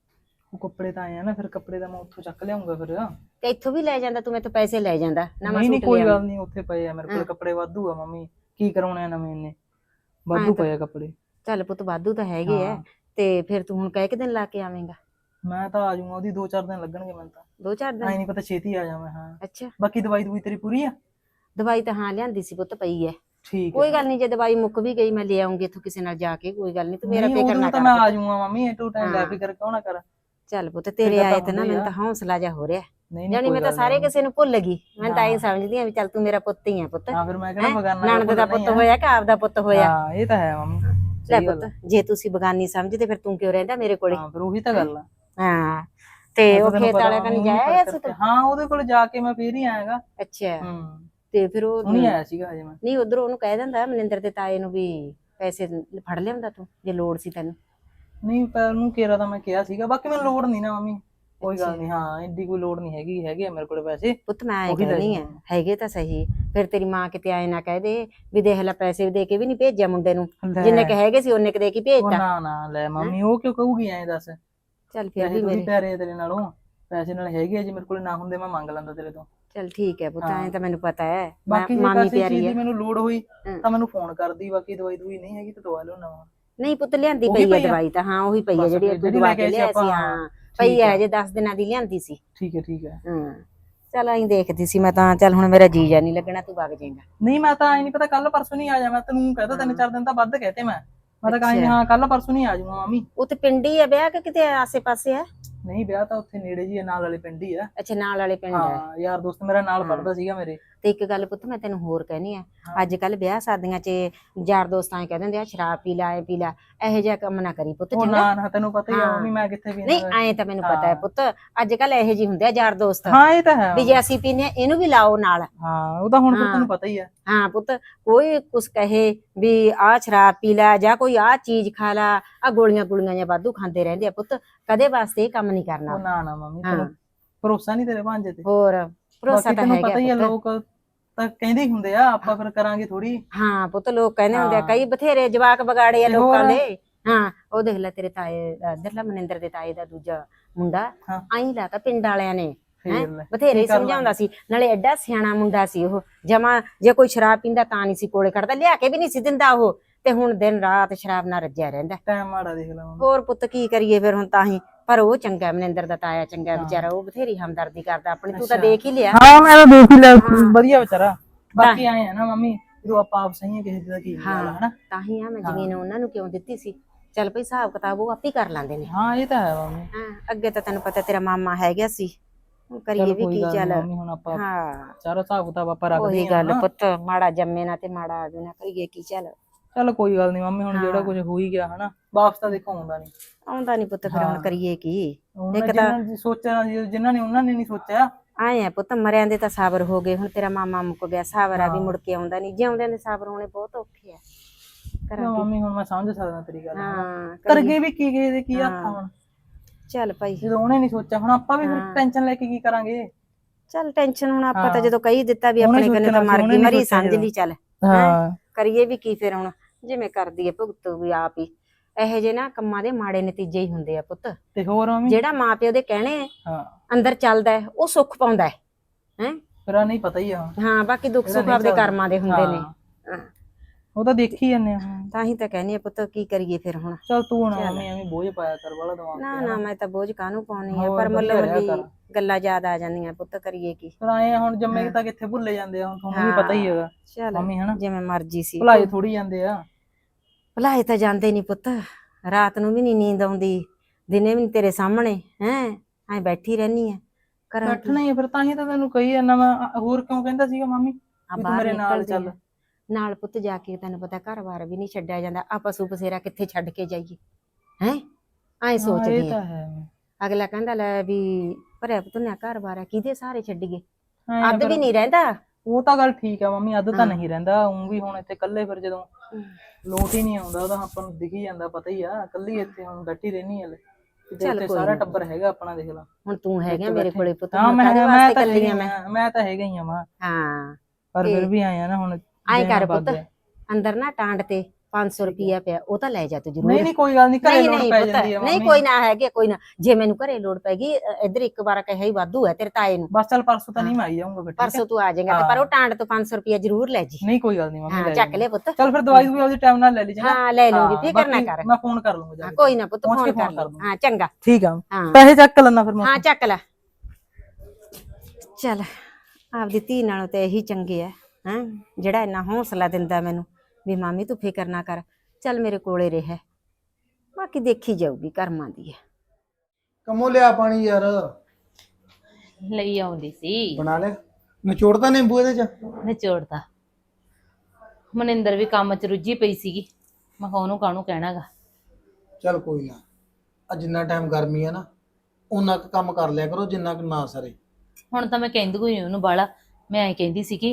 S5: ਉਹ ਕੱਪੜੇ ਤਾਂ ਆਏ ਆ ਨਾ, ਫਿਰ ਕੱਪੜੇ ਤਾਂ ਮੈਂ ਉੱਥੋਂ ਚੱਕ ਲਿਆਉਂਗਾ ਫਿਰ।
S6: ਤੇ ਇੱਥੋਂ ਵੀ ਲੈ ਜਾਂਦਾ, ਤੂੰ ਮੈਥੋਂ ਪੈਸੇ ਲੈ ਜਾਂਦਾ, ਨਵਾਂ
S5: ਨਹੀਂ
S6: ਸੂਟ
S5: ਕੋਈ
S6: ਲਿਆ।
S5: ਗੱਲ ਨਹੀਂ, ਉੱਥੇ ਪਏ ਆ ਮੇਰੇ ਕੋਲ ਕੱਪੜੇ ਵਾਧੂ ਆ ਮੰਮੀ। ਕੀ ਕਰਾਉਣੇ ਆ ਨਵੇਂ ਇੰਨੇ, ਵਾਧੂ ਪਏ ਆ ਕੱਪੜੇ।
S6: ਚੱਲ ਪੁੱਤ, ਵਾਧੂ ਤਾਂ ਹੈਗੇ ਆ। ਤੇ ਫਿਰ ਤੂੰ ਹੁਣ ਕਹਿ ਕੇ ਦਿਨ ਲਾ ਕੇ ਆਵੇਂਗਾ?
S5: ਮੈਂ ਤਾਂ ਆ ਜਾਊਂਗਾ, ਉਹਦੀ 2-4 ਦਿਨ ਲੱਗਣਗੇ ਮੈਨੂੰ ਤਾਂ।
S6: 2-4
S5: ਐ
S6: ਦਿਨ?
S5: ਨਹੀਂ ਪਤਾ ਛੇਤੀ ਆ ਜਾਵਾਂ। ਹਾਂ,
S6: ਅੱਛਾ,
S5: ਬਾਕੀ ਦਵਾਈ ਤੇਰੀ ਪੂਰੀ ਆ?
S6: ਦਵਾਈ ਤਾਂ ਹਾਂ ਲਿਆਂਦੀ ਸੀ ਪੁੱਤ, ਪਈ ਹੈ।
S5: ਠੀਕ
S6: ਕੋਈ
S5: ਹੈ।
S6: ਗੱਲ ਨਹੀਂ, ਜੇ ਦਵਾਈ ਮੁੱਕ ਵੀ ਗਈ ਮੈਂ ਲੈ ਆਉਂਗੀ ਇੱਥੋਂ ਕਿਸੇ ਨਾਲ ਜਾ ਕੇ, ਕੋਈ ਗੱਲ ਨਹੀਂ, ਤੂੰ ਮੇਰਾ
S5: ਨਹੀਂ,
S6: ਫਿਕਰ ਨਾ
S5: ਉਦੋਂ ਤਾਂ
S6: ਕਰ
S5: ਮੈਂ
S6: ਪੁੱਤ।
S5: ਆ ਜਾਊਂਗਾ ਮੰਮੀ, ਇਹ ਟੂ ਟਾਈਮ ਲੈ ਫਿਕਰ ਕਿਉਂ ਨਾ ਕਰ।
S6: ਚੱਲ ਪੁੱਤ, ਤੇਰੇ
S5: ਫਿਕਰ ਤਾਂ
S6: ਆਏ ਤੇ ਨਾ
S5: ਹੁੰਦਾ ਹੀ
S6: ਮੈਨੂੰ
S5: ਆ।
S6: ਤਾਂ ਹੌਸਲਾ ਜਾ ਹੋ ਰਿਹਾ।
S5: ਨਹੀਂ ਨਹੀਂ,
S6: ਜਾਨੀ
S5: ਕੋਈ
S6: ਮੈਂ ਤਾਂ
S5: ਗੱਲ
S6: ਸਾਰੇ
S5: ਨਹੀਂ।
S6: ਕਿਸੇ ਨੂੰ ਭੁੱਲ ਗਈ। ਮੈਂ ਤਾਂ ਇਹ ਸਮਝਦੀ ਆ ਵੀ ਚੱਲ ਤੂੰ ਮੇਰਾ ਪੁੱਤ ਹੀ ਆ ਪੁੱਤ।
S5: ਹਾਂ, ਫਿਰ ਮੈਂ ਕਿਹੜਾ
S6: ਹੈਂ?
S5: ਬਗਾਨਾ
S6: ਨਣਦ ਦਾ ਪੁੱਤ ਹੋਇਆ ਕਿ ਆਪਦਾ ਪੁੱਤ ਹੋਇਆ?
S5: ਹਾਂ, ਇਹ ਤਾਂ ਹੈ ਮੰਮੀ।
S6: ਲੈ
S5: ਸਹੀ ਗੱਲ
S6: ਪੁੱਤ, ਜੇ ਤੁਸੀਂ ਬਗਾਨੀ ਸਮਝਦੇ ਫਿਰ ਤੂੰ ਕਿਉਂ ਰਹਿੰਦਾ ਮੇਰੇ ਕੋਲੇ?
S5: ਹਾਂ, ਫਿਰ ਉਹੀ ਤਾਂ ਗੱਲ ਆ।
S6: ਹਾਂ, ਤੇ ਉਹ ਖੇਤ ਵਾਲੇ ਕਨ ਜਾਇਆ ਸੀ ਤੂੰ?
S5: ਹਾਂ, ਉਹਦੇ ਕੋਲ ਜਾ ਕੇ ਮੈਂ ਫੇਰ ਹੀ ਆਇਆਗਾ।
S6: ਅੱਛਾ,
S5: ਹੂੰ,
S6: ਤੇ ਫਿਰ ਉਹ
S5: ਹੁਣੀ ਆਇਆ ਸੀਗਾ ਹਜੇ ਮੈਂ।
S6: ਨਹੀਂ, ਉਧਰੋਂ ਉਹਨੂੰ ਕਹਿ ਦਿੰਦਾ ਮਨਿੰਦਰ ਦੇ ਤਾਏ ਨੂੰ ਵੀ ਪੈਸੇ ਫੜ ਲਿਆਉਂਦਾ ਤੂੰ, ਜੇ ਲੋੜ ਸੀ ਤੈਨੂੰ।
S5: ਨਹੀਂ, ਪਰ ਉਹਨੂੰ ਕੇਰਾ ਤਾਂ ਮੈਂ ਕਿਹਾ ਸੀਗਾ, ਬਾਕੀ ਮੈਨੂੰ ਲੋੜ ਨਹੀਂ ਨਾ ਮੰਮੀ, ਕੋਈ ਗੱਲ ਨਹੀਂ। ਹਾਂ, ਇੰਨੀ ਕੋਈ ਲੋੜ ਨਹੀਂ ਹੈਗੀ, ਹੈਗੇ ਆ ਮੇਰੇ ਕੋਲ ਪੈਸੇ।
S6: ਪੁੱਤ ਮੈਂ ਐ
S5: ਉਹੀ ਲੈ
S6: ਕਹਿੰਦੀ ਆ,
S5: ਜਾਊਂਗਾ।
S6: ਹੈਗੇ ਤਾਂ ਸਹੀ। ਫਿਰ ਤੇਰੀ ਮਾਂ ਕਿਤੇ ਆਏ ਨਾ ਕਹਿ ਦੇ ਵੀ ਦੇਖ ਲੈ, ਪੈਸੇ ਦੇ ਕੇ ਵੀ ਨਹੀਂ ਭੇਜਿਆ ਮੁੰਡੇ ਨੂੰ,
S5: ਲੈ।
S6: ਜਿੰਨੇ ਕ ਹੈਗੇ ਸੀ ਉਹਨੇ ਕ ਦੇ ਕੇ
S5: ਉਹ
S6: ਭੇਜਤਾ।
S5: ਨਾ ਨਾ ਲੈ ਮੰਮੀ, ਉਹ ਕਿਉਂ ਕਹੂਗੀ ਐਂ? ਦੱਸ,
S6: ਚੱਲ ਫਿਰ
S5: ਪੈਸੇ
S6: ਵੀ
S5: ਥੋੜੀ
S6: ਮੇਰੇ,
S5: ਪਿਆਰੇ ਆ ਤੇਰੇ ਨਾਲੋਂ, ਪੈਸੇ ਨਾਲ ਹੈਗੇ ਆ। ਜੇ ਮੇਰੇ ਕੋਲ ਨਾ ਹੁੰਦੇ ਮੈਂ ਮੰਗ ਲੈਂਦਾ ਤੇਰੇ ਤੋਂ।
S6: ਚੱਲ ਠੀਕ ਹੈ ਪੁੱਤ, ਐ ਤਾਂ ਮੈਨੂੰ ਪਤਾ ਹੈ
S5: ਬਾਕੀ ਜੇ
S6: ਮਾਮੀ
S5: ਕਿਸੇ
S6: ਪਿਆਰੀ
S5: ਚੀਜ਼ ਦੀ
S6: ਹੈ।
S5: ਮੈਨੂੰ ਲੋੜ ਹੋਈ
S6: ਹਾਂ।
S5: ਤਾਂ ਮੈਨੂੰ ਫੋਨ ਕਰਦੀ। ਬਾਕੀ ਦਵਾਈ ਨਹੀਂ ਹੈਗੀ ਤਾਂ ਦਵਾ ਲਿਓ ਨਵਾਂ।
S6: ਨਹੀਂ ਪੁੱਤ, ਲਿਆਂਦੀ
S5: ਉਹੀ
S6: ਪਈ ਹੈ
S5: ਪਈ ਆ?
S6: ਦਵਾਈ ਤਾਂ। ਹਾਂ, ਉਹੀ ਪਈ ਹੈ
S5: ਬਸ
S6: ਜਿਹੜੀ
S5: ਫਿਰ
S6: ਤੂੰ
S5: ਜਿਹੜੀ
S6: ਦਵਾ
S5: ਲੈ
S6: ਕੇ
S5: ਕੇ
S6: ਲਿਆ
S5: ਆਪਾਂ,
S6: ਸੀ। ਹਾਂ, ਪਈ ਹੈ, ਜੇ 10 ਦਿਨਾਂ ਦੀ ਲਿਆਂਦੀ ਸੀ।
S5: ਠੀਕ ਹੈ ਠੀਕ ਹੈ।
S6: ਹਾਂ, ਚੱਲ ਐਂ ਦੇਖਦੀ ਸੀ ਮੈਂ ਤਾਂ। ਚੱਲ ਹੁਣ ਮੇਰਾ ਜੀ ਜਾ ਨਹੀਂ ਲੱਗਣਾ, ਤੂੰ ਵਗ ਜਾਏਗਾ।
S5: ਨਹੀਂ, ਮੈਂ ਤਾਂ ਐ ਨਹੀਂ ਪਤਾ, ਕੱਲ ਪਰਸੋਂ ਨਹੀਂ ਆ ਜਾ। ਮੈਂ ਤੈਨੂੰ ਕਹਦਾ 3-4 ਦਿਨ ਤਾਂ ਵੱਧ ਕਹਤੇ ਮੈਂ ਤਾਂ ਕਹਾਂ ਹਾਂ ਕੱਲ ਪਰਸੋਂ ਨਹੀਂ ਆ ਜਾਊਂਗਾ ਮੰਮੀ।
S6: ਉੱਥੇ ਪਿੰਡ ਹੀ ਆ ਵਿਆਹ ਕਿ ਕਿਤੇ ਆਸੇ ਪਾਸੇ ਆ?
S5: ਨਹੀਂ, ਵਿਆਹ ਤਾਂ ਉੱਥੇ ਨੇੜੇ ਜੀ ਆ, ਨਾਲ ਵਾਲੇ ਪਿੰਡ ਹੀ ਆ।
S6: ਅੱਛਾ, ਨਾਲ ਵਾਲੇ ਪਿੰਡ ਹੈ।
S5: ਹਾਂ, ਯਾਰ ਦੋਸਤ ਮੇਰਾ ਨਾਲ ਪੜਦਾ ਸੀਗਾ ਮੇਰੇ।
S6: ਤੇ ਇੱਕ ਗੱਲ ਪੁੱਤ ਮੈਂ ਤੈਨੂੰ ਹੋਰ ਕਹਿਣੀ ਆ, ਅੱਜ ਕੱਲ ਵਿਆਹ ਸ਼ਾਦੀਆਂ 'ਚ ਯਾਰ ਦੋਸਤਾਂ ਕਹਿ ਦਿੰਦੇ ਆ ਸ਼ਰਾਬ ਪੀ ਲਾ, ਐ ਪੀ ਲਾ। ਇਹੋ ਜਿਹਾ ਕੰਮ ਨਾ ਕਰੀ ਪੁੱਤ,
S5: ਉਹ
S6: ਚੰਗਾ?
S5: ਨਾ ਤੈਨੂੰ ਪਤਾ ਹੀ ਆ ਮੰਮੀ, ਮੈਂ ਕਿੱਥੇ ਪੀਂਦਾ।
S6: ਨਹੀਂ, ਐਂ ਤਾਂ ਮੈਨੂੰ ਪਤਾ ਹੈ ਪੁੱਤ, ਅੱਜ ਕੱਲ ਇਹੋ ਜਿਹੇ ਹੁੰਦੇ ਆ ਯਾਰ ਦੋਸਤ
S5: ਹਾਂ, ਇਹ ਤਾਂ ਹੈ।
S6: ਵੀ ਜੇ ਅਸੀਂ ਪੀਨੇ ਆ ਇਹਨੂੰ ਵੀ ਲਾਓ ਨਾਲ।
S5: ਹਾਂ, ਉਹ ਤਾਂ ਹੁਣ ਫਿਰ ਤੈਨੂੰ ਪਤਾ ਹੀ ਆ।
S6: ਹਾਂ ਪੁੱਤ, ਕੋਈ ਕੁਛ ਕਹੇ ਵੀ ਆਹ ਸ਼ਰਾਬ ਪੀ ਲੈ ਜਾਂ ਕੋਈ ਆਹ ਚੀਜ਼ ਖਾ ਲਾ, ਆ ਗੋਲੀਆਂ ਜਾਂ ਵਾਧੂ ਖਾਂਦੇ ਰਹਿੰਦੇ ਆ ਪੁੱਤ, ਕਦੇ ਵਾਸਤੇ ਇਹ ਕੰਮ ਨਹੀਂ ਕਰਨਾ।
S5: ਉਹ ਨਾ ਮੰਮੀ,
S6: ਹਾਂ।
S5: ਤੈਨੂੰ ਭਰੋਸਾ ਨਹੀਂ ਤੇਰੇ ਭਾਂਜੇ ਤੇ।
S6: ਹੋਰ ਭਰੋਸਾ
S5: ਬਾਕੀ
S6: ਤਾਂ
S5: ਤੈਨੂੰ ਪਤਾ ਹੀ ਆ,
S6: ਹੈਗਾ ਪੁੱਤ।
S5: ਲੋਕ ਤਾਂ ਕਹਿੰਦੇ ਹੀ ਹੁੰਦੇ ਆ, ਆਪਾਂ ਫਿਰ ਕਰਾਂਗੇ ਥੋੜੀ।
S6: ਹਾਂ ਪੁੱਤ, ਲੋਕ ਕਹਿੰਦੇ ਹੁੰਦੇ ਆ,
S5: ਹਾਂ।
S6: ਕਈ ਬਥੇਰੇ ਜਵਾਕ ਵਿਗਾੜੇ ਆ
S5: ਤੇ
S6: ਲੋਕਾਂ
S5: ਹੋਰ?
S6: ਦੇ। ਹਾਂ, ਉਹ ਦੇਖ ਲੈ ਤੇਰੇ ਤਾਏ ਇਧਰਲਾ ਮਨਿੰਦਰ ਦੇ ਤਾਏ ਦਾ ਦੂਜਾ ਮੁੰਡਾ,
S5: ਹਾਂ।
S6: ਆਈ ਲਾਤਾ ਪਿੰਡ ਵਾਲਿਆਂ ਨੇ।
S5: ਫੇਰ ਲੈ,
S6: ਬਥੇਰੇ
S5: ਕੀ ਕਰ
S6: ਸਮਝਾਉਂਦਾ ਸੀ, ਨਾਲੇ ਐਡਾ ਸਿਆਣਾ ਮੁੰਡਾ ਸੀ ਉਹ। ਜਮਾ ਜੇ ਕੋਈ ਸ਼ਰਾਬ ਪੀਂਦਾ ਤਾਂ ਨਹੀਂ ਸੀ ਕੋਲੇ ਖੜਦਾ, ਲਿਆ ਕੇ ਵੀ ਨਹੀਂ ਸੀ ਦਿੰਦਾ ਉਹ। ਤੇ ਹੁਣ ਦਿਨ ਰਾਤ ਸ਼ਰਾਬ ਨਾਲ ਰੱਜਿਆ ਰਹਿੰਦਾ।
S5: ਟਾਈਮ ਮਾੜਾ ਦੇਖ ਲਾ ਮੰਮੀ।
S6: ਹੋਰ ਪੁੱਤ ਕੀ ਕਰੀਏ ਫਿਰ ਹੁਣ ਤਾਂ ਹੀ। ਪਰ ਉਹ ਚੰਗਾ, ਮਨਿੰਦਰ ਦਾ ਤਾਇਆ ਚੰਗਾ ਵਿਚਾਰਾ, ਉਹ ਬਥੇਰੀ ਹਮਦਰਦੀ ਕਰਦਾ ਆਪਣੀ। ਤੂੰ ਤਾਂ ਦੇਖ ਹੀ ਲਿਆ।
S5: ਹਾਂ, ਮੈਂ ਤਾਂ ਦੇਖ ਹੀ ਲਿਆ, ਵਧੀਆ ਵਿਚਾਰਾ। ਬਾਕੀ ਆਏ ਆ ਨਾ ਮੰਮੀ, ਜਦੋਂ ਆਪਾਂ ਆਪ ਸਹੀ ਆ, ਕਿਸੇ ਦਾ ਕੀ ਹਾਲ ਆ, ਹਨਾ।
S6: ਤਾਂ ਹੀ ਆ ਮੈਂ ਜ਼ਮੀਨ ਉਹਨਾਂ ਨੂੰ ਕਿਉਂ ਦਿੱਤੀ ਸੀ। ਚੱਲ ਭਈ ਹਿਸਾਬ ਕਿਤਾਬ ਉਹ ਆਪੇ ਹੀ ਕਰ ਲੈਂਦੇ ਨੇ।
S5: ਹਾਂ, ਇਹ ਤਾਂ ਹੈ ਮੰਮੀ।
S6: ਹਾਂ, ਅੱਗੇ ਤਾਂ ਤੈਨੂੰ ਪਤਾ ਤੇਰਾ ਮਾਮਾ ਹੈਗਾ ਸੀ, ਹੁਣ ਕਰੀਏ ਵੀ
S5: ਕੋਈ
S6: ਕੀ।
S5: ਗੱਲ ਨੀ
S6: ਚੱਲ
S5: ਮੰਮੀ, ਹੁਣ ਆਪਾਂ
S6: ਹਾਂ,
S5: ਸਾਰਾ ਹਿਸਾਬ ਕਿਤਾਬ ਆਪਾਂ ਰੱਖਦੇ
S6: ਉਹੀ
S5: ਆ
S6: ਗੱਲ
S5: ਨਾ।
S6: ਪੁੱਤ, ਮਾੜਾ ਜੰਮੇ ਨਾ ਤੇ ਮਾੜਾ ਆਵੇ ਨਾ, ਕਰੀਏ ਕੀ।
S5: ਚੱਲ ਕੋਈ ਗੱਲ ਨਹੀਂ ਮੰਮੀ, ਹੁਣ ਜਿਹੜਾ ਕੁਝ ਹੋ ਹੀ ਗਿਆ ਹਨਾ, ਵਾਪਸ ਤਾਂ ਦੇਖੋ ਆਉਂਦਾ ਨਹੀਂ।
S6: ਆਉਂਦਾ ਨੀ ਪੁੱਤ, ਫਿਰ ਹੁਣ ਕਰੀਏ ਕੀ।
S5: ਇੱਕ ਤਾਂ ਸੋਚਿਆ ਜਿਨ੍ਹਾਂ ਨੇ ਉਹਨਾਂ ਨੇ ਨਹੀਂ ਸੋਚਿਆ।
S6: ਆਏ ਆ ਪੁੱਤ, ਮਰਿਆਂ ਦੇ ਤਾਂ ਸਾਬਰ ਹੋ ਗਏ, ਹੁਣ ਤੇਰਾ ਮਾਮਾ ਮੁੱਕ ਗਿਆ, ਸਾਬਰ ਆ ਵੀ ਮੁੜ ਕੇ ਆਉਂਦਾ ਨਹੀਂ। ਜਿਉਂਦਿਆਂ ਦੇ ਸਾਬਰ ਹੋਣੇ ਬਹੁਤ ਔਖੇ ਆ।
S5: ਮੰਮੀ ਹੁਣ ਮੈਂ ਸਮਝ ਸਕਦਾ ਤੇਰੀ ਗੱਲ।
S6: ਹਾਂ,
S5: ਕਰਗੇ ਵੀ ਕੀ ਗਏ ਦੇ ਕੀ ਹੱਥ ਹੁਣ।
S6: ਚੱਲ ਭਾਈ
S5: ਜਦੋਂ ਉਹਨੇ ਨਹੀਂ ਸੋਚਿਆ ਹੁਣ ਆਪਾਂ ਵੀ ਫਿਰ
S6: ਹਾਂ।
S5: ਟੈਨਸ਼ਨ ਲੈ ਕੇ ਕੀ ਕਰਾਂਗੇ।
S6: ਚੱਲ ਟੈਨਸ਼ਨ ਹੁਣ ਆਪਾਂ ਤਾਂ
S5: ਹਾਂ।
S6: ਜਦੋਂ ਕਹੀ ਦਿੱਤਾ ਵੀ
S5: ਉਹਨੇ
S6: ਆਪਣੇ ਕੰਨੇ ਤਾਂ
S5: ਸੋਚਣਾ
S6: ਮਰ
S5: ਸੀ,
S6: ਗਈ
S5: ਉਹਨੇ
S6: ਮਰੀ
S5: ਨੀ ਸੋਚਿਆ
S6: ਸਮਝ ਲਈ ਚੱਲ
S5: ਹਾਂ
S6: ਕਰੀਏ ਵੀ ਕੀ ਫਿਰ ਹੁਣ ਜਿਵੇਂ ਕਰਦੀ ਹੈ ਭੁਗਤੂਗੀ ਆਪ ਹੀ। ਇਹੋ ਜਿਹੇ ਨਾ ਕੰਮਾਂ ਦੇ ਮਾੜੇ ਨਤੀਜੇ ਹੀ ਹੁੰਦੇ ਆ ਪੁੱਤ।
S5: ਤੇ ਹੋਰ ਮੰਮੀ
S6: ਜਿਹੜਾ ਮਾਂ ਪਿਓ ਦੇ ਕਹਿਣੇ
S5: ਹਾਂ
S6: ਅੰਦਰ ਚੱਲਦਾ ਹੈ ਉਹ ਸੁੱਖ ਪਾਉਂਦਾ ਹੈ ਹੈ।
S5: ਫਿਰ ਆ ਨਹੀਂ ਪਤਾ ਹੀ ਆ
S6: ਹਾਂ ਬਾਕੀ ਦੁੱਖ
S5: ਜਿਹੜਾ
S6: ਸੁੱਖ
S5: ਨਹੀਂ
S6: ਆਪਦੇ
S5: ਚੱਲਦਾ।
S6: ਕਰਮਾਂ ਦੇ ਹੁੰਦੇ ਨੇ।
S5: ਹਾਂ।
S6: ਹਾਂ।
S5: ਉਹ ਤਾਂ ਦੇਖੀ ਜਾਂਦੇ ਆ ਹੁਣ।
S6: ਤਾਂ ਹੀ ਤਾਂ ਕਹਿੰਦੀ ਆ ਪੁੱਤ ਕੀ ਕਰੀਏ ਫਿਰ ਹੁਣ।
S5: ਚੱਲ ਤੂੰ ਨਾ
S6: ਚੱਲ।
S5: ਮੰਮੀ ਐਵੇਂ ਬੋਝ ਪਾਇਆ ਕਰ ਵਾਲਾ ਦਿਮਾਗ
S6: ਨਾ
S5: ਤੇ,
S6: ਨਾ
S5: ਹਨਾ।
S6: ਮੈਂ ਤਾਂ ਬੋਝ ਕਾਹਨੂੰ ਪਾਉਣੀ ਆ
S5: ਹੋਰ
S6: ਪਰ
S5: ਵਧੀਆ
S6: ਮੱਲੋ
S5: ਰਿਹਾ
S6: ਮੱਲੀ
S5: ਕਰ।
S6: ਗੱਲਾਂ ਯਾਦ ਆ ਜਾਂਦੀਆਂ ਪੁੱਤ ਕਰੀਏ ਕੀ।
S5: ਫਿਰ ਆਏ ਆ ਹੁਣ ਜੰਮੇ
S6: ਹਾਂ।
S5: ਤਾਂ ਕਿੱਥੇ ਭੁੱਲੇ ਜਾਂਦੇ ਆ ਹੁਣ ਤੁਹਾਨੂੰ ਵੀ ਪਤਾ ਹੀ ਹੈਗਾ
S6: ਚੱਲ
S5: ਮੰਮੀ ਹਨਾ
S6: ਜਿਵੇਂ ਮਰਜ਼ੀ ਸੀ
S5: ਭੁਲਾਏ ਥੋੜੀ ਜਾਂਦੇ ਆ।
S6: ਭੁਲਾਏ ਤਾਂ ਜਾਂਦੇ ਨਹੀਂ ਪੁੱਤ। ਰਾਤ ਨੂੰ ਵੀ ਨਹੀਂ ਨੀਂਦ ਆਉਂਦੀ ਦਿਨੇ ਵੀ ਨੀ ਤੇਰੇ ਸਾਹਮਣੇ ਹੈ ਐ ਬੈਠੀ ਰਹਿਨੀ ਆ ਕਰਾਂ ਕੀ?
S5: ਬੈਠਣਾ ਹੀ ਆ, ਫਿਰ ਤਾਂ ਹੀ ਤਾਂ ਤੈਨੂੰ ਕਹੀ ਜਾਂਦਾ ਮੈਂ ਹੋਰ ਕਿਉਂ ਕਹਿੰਦਾ ਸੀਗਾ ਮੰਮੀ
S6: ਆ
S5: ਵੀ ਤੂੰ
S6: ਬਾਹਰ
S5: ਮੇਰੇ ਨਾਲ
S6: ਨਿਕਲਦੇ
S5: ਚੱਲ।
S6: ਆ। ਨਾਲ ਪੁੱਤ ਜਾ ਕੇ ਤੈਨੂੰ ਪਤਾ ਘਰ-ਬਾਰ ਵੀ ਨਹੀਂ ਛੱਡਿਆ ਜਾਂਦਾ ਆ ਪਸ਼ੂ ਪਸੇਰਾ ਕਿੱਥੇ ਛੱਡ ਕੇ ਜਾਈਏ ਹੈ ਐ
S5: ਹਾਂ,
S6: ਸੋਚਦੀ
S5: ਇਹ
S6: ਆ।
S5: ਤਾਂ ਹੈ
S6: ਅਗਲਾ ਕਹਿੰਦਾ ਲੈ ਵੀ ਭਰਿਆ ਪੁੱਤ ਨੇ ਘਰ-ਬਾਰ ਆ ਕਿਹਦੇ ਸਹਾਰੇ ਛੱਡੀਏ
S5: ਐਂ ਆ
S6: ਅੱਧ
S5: ਫਿਰ
S6: ਵੀ ਨਹੀਂ ਰਹਿੰਦਾ।
S5: ਉਹ ਤਾਂ ਗੱਲ ਠੀਕ ਆ ਮੰਮੀ ਅੱਧ ਤਾਂ
S6: ਹਾਂ।
S5: ਨਹੀਂ ਰਹਿੰਦਾ ਉਹ ਵੀ ਹੁਣ ਇੱਥੇ ਇਕੱਲੇ ਫਿਰ ਜਦੋਂ ਲੋਟ ਹੀ ਨਹੀਂ ਆਉਂਦਾ ਉਹਦਾ ਆਪਾਂ ਨੂੰ ਦਿਖ ਹੀ ਜਾਂਦਾ ਪਤਾ ਹੀ ਆ ਇਕੱਲੀ ਇੱਥੇ ਹੁਣ ਬੈਠੀ ਰਹਿਣੀ ਹਲੇ
S6: ਚੱਲ
S5: ਤੇ
S6: ਕੋਈ
S5: ਸਾਰਾ
S6: ਨੀ।
S5: ਟੱਬਰ ਹੈਗਾ ਆਪਣਾ ਦੇਖ ਲਾ
S6: ਹੁਣ ਤੂੰ ਹੈਗਾ
S5: ਵਿੱਚ
S6: ਮੇਰੇ
S5: ਬੈਠੇ।
S6: ਕੋਲੇ ਪੁੱਤ
S5: ਹਾਂ
S6: ਹੁਣ
S5: ਮੈਂ
S6: ਕਾਹਦੇ
S5: ਮੈਂ
S6: ਵਾਸਤੇ
S5: ਤਾਂ
S6: ਇਕੱਲੀ
S5: ਹੈਗਾ
S6: ਆ ਮੈਂ
S5: ਮੈਂ ਤਾਂ ਹੈਗਾ ਹੀ ਆ ਮਾਂ
S6: ਹਾਂ
S5: ਪਰ
S6: ਤੇ
S5: ਫਿਰ ਵੀ ਆਇਆ ਨਾ ਹੁਣ
S6: ਐਂ
S5: ਦੇਣਾ
S6: ਕਰ
S5: ਵਗ
S6: ਪੁੱਤ
S5: ਗਿਆ।
S6: ਅੰਦਰ ਨਾ ਟਾਂਡ ਤੇ 500 ਰੁਪਿਆ ਪਿਆ ਉਹ ਤਾਂ ਲੈ ਜਾ ਤੂੰ ਜ਼ਰੂਰ।
S5: ਨਹੀਂ ਨਹੀਂ ਕੋਈ ਗੱਲ ਨਹੀਂ ਘਰੇ
S6: ਨਹੀਂ
S5: ਲੋੜ
S6: ਨਹੀਂ
S5: ਪੈ
S6: ਪੁੱਤ
S5: ਜਾਂਦੀ ਆ
S6: ਨਹੀਂ
S5: ਮੰਮੀ
S6: ਕੋਈ ਨਾ ਹੈਗੇ ਕੋਈ ਨਾ ਜੇ ਮੈਨੂੰ ਘਰੇ ਲੋੜ ਪੈ ਗਈ ਇੱਧਰ ਇੱਕ ਵਾਰ ਕਹੇ ਹੀ ਵਾਧੂ ਹੈ ਤੇਰੇ ਤਾਏ ਨੂੰ
S5: ਬਸ ਚੱਲ ਪਰਸੋਂ ਤਾਂ ਨਹੀਂ ਮੈਂ ਆਈ ਜਾਊਂਗਾ ਫਿਰ ਠੀਕ
S6: ਪਰਸੋਂ
S5: ਹੈ
S6: ਤੂੰ ਆ ਜਾਏਗਾ ਤੇ ਪਰ
S5: ਹਾਂ।
S6: ਉਹ ਟਾਂਡ ਤੋਂ 500 ਰੁਪਿਆ ਜ਼ਰੂਰ ਲੈ ਜੀ।
S5: ਨਹੀਂ ਕੋਈ ਗੱਲ ਨਹੀਂ ਮੰਮੀ
S6: ਹਾਂ
S5: ਲੈ
S6: ਚੱਕ
S5: ਜਾਊਂਗੀ।
S6: ਲੈ ਪੁੱਤ
S5: ਚੱਲ ਫਿਰ ਦਵਾਈ ਵੀ ਉਹਦੀ ਟਾਈਮ ਨਾਲ ਲੈ ਲਈ ਚੰਗਾ
S6: ਹਾਂ ਲੈ ਲੂੰਗੀ
S5: ਹਾਂ,
S6: ਫਿਕਰ ਨਾ
S5: ਬਾਕੀ
S6: ਕਰ।
S5: ਮੈਂ ਫੋਨ ਕਰ ਲੂੰਗਾ ਜਾ
S6: ਹਾਂ,
S5: ਕੇ।
S6: ਕੋਈ ਨਾ ਪੁੱਤ
S5: ਪਹੁੰਚ ਕੇ
S6: ਫੋਨ ਕਰ
S5: ਫੋਨ ਕਰ
S6: ਲਈ
S5: ਦੂੰਗਾ।
S6: ਹਾਂ ਚੰਗਾ
S5: ਠੀਕ ਆ
S6: ਹਾਂ
S5: ਪੈਸੇ ਚੱਕ ਲੈਣਾ ਫਿਰ ਮੈਂ
S6: ਹਾਂ ਚੱਕ ਲੈ ਚੱਲ ਆਪਦੀ ਧੀ ਨਾਲੋਂ ਤੇ ਇਹੀ ਚੰਗੇ ਆ ਹੈ ਜਿਹੜਾ ਇੰਨਾ ਹੌਸਲਾ ਦਿੰਦਾ ਮੈਨੂੰ ਵੀ ਮਾਮੀ ਤੂੰ ਫਿਕਰ ਨਾ ਕਰ ਚੱਲ ਮੇਰੇ ਕੋਲੇ ਰਹਿ ਬਾਕੀ ਦੇਖੀ ਜਾਊਗੀ ਕਰਮਾਂ ਦੀ ਹੈ।
S7: ਕਮੋ ਲਿਆ ਪਾਣੀ ਯਾਰ
S1: ਲਈ ਆਉਂਦੀ ਸੀ
S7: ਬਣਾ ਲੈ ਨਿਚੋੜਦਾ ਨਿੰਬੂ ਇਹਦੇ ਚ
S1: ਨਿਚੋੜਦਾ। ਮਨਿੰਦਰ ਵੀ ਕੰਮ 'ਚ ਰੁੱਝੀ ਪਈ ਸੀਗੀ ਮੈਂ ਕਿਹਾ ਉਹਨੂੰ ਕਾਹਨੂੰ ਕਹਿਣਾਗਾ।
S7: ਚੱਲ ਕੋਈ ਨਾ ਆ ਜਿੰਨਾ ਟਾਈਮ ਗਰਮੀ ਆ ਨਾ ਉਹਨਾਂ ਕੁ ਕੰਮ ਕਰ ਲਿਆ ਕਰੋ ਜਿੰਨਾ ਕੁ ਨਾ ਸਰੇ।
S1: ਹੁਣ ਤਾਂ ਮੈਂ ਕਹਿੰਦੀ ਕੋਈ ਨਹੀਂ ਉਹਨੂੰ ਬਾਲਾ ਮੈਂ ਐਂ ਕਹਿੰਦੀ ਸੀਗੀ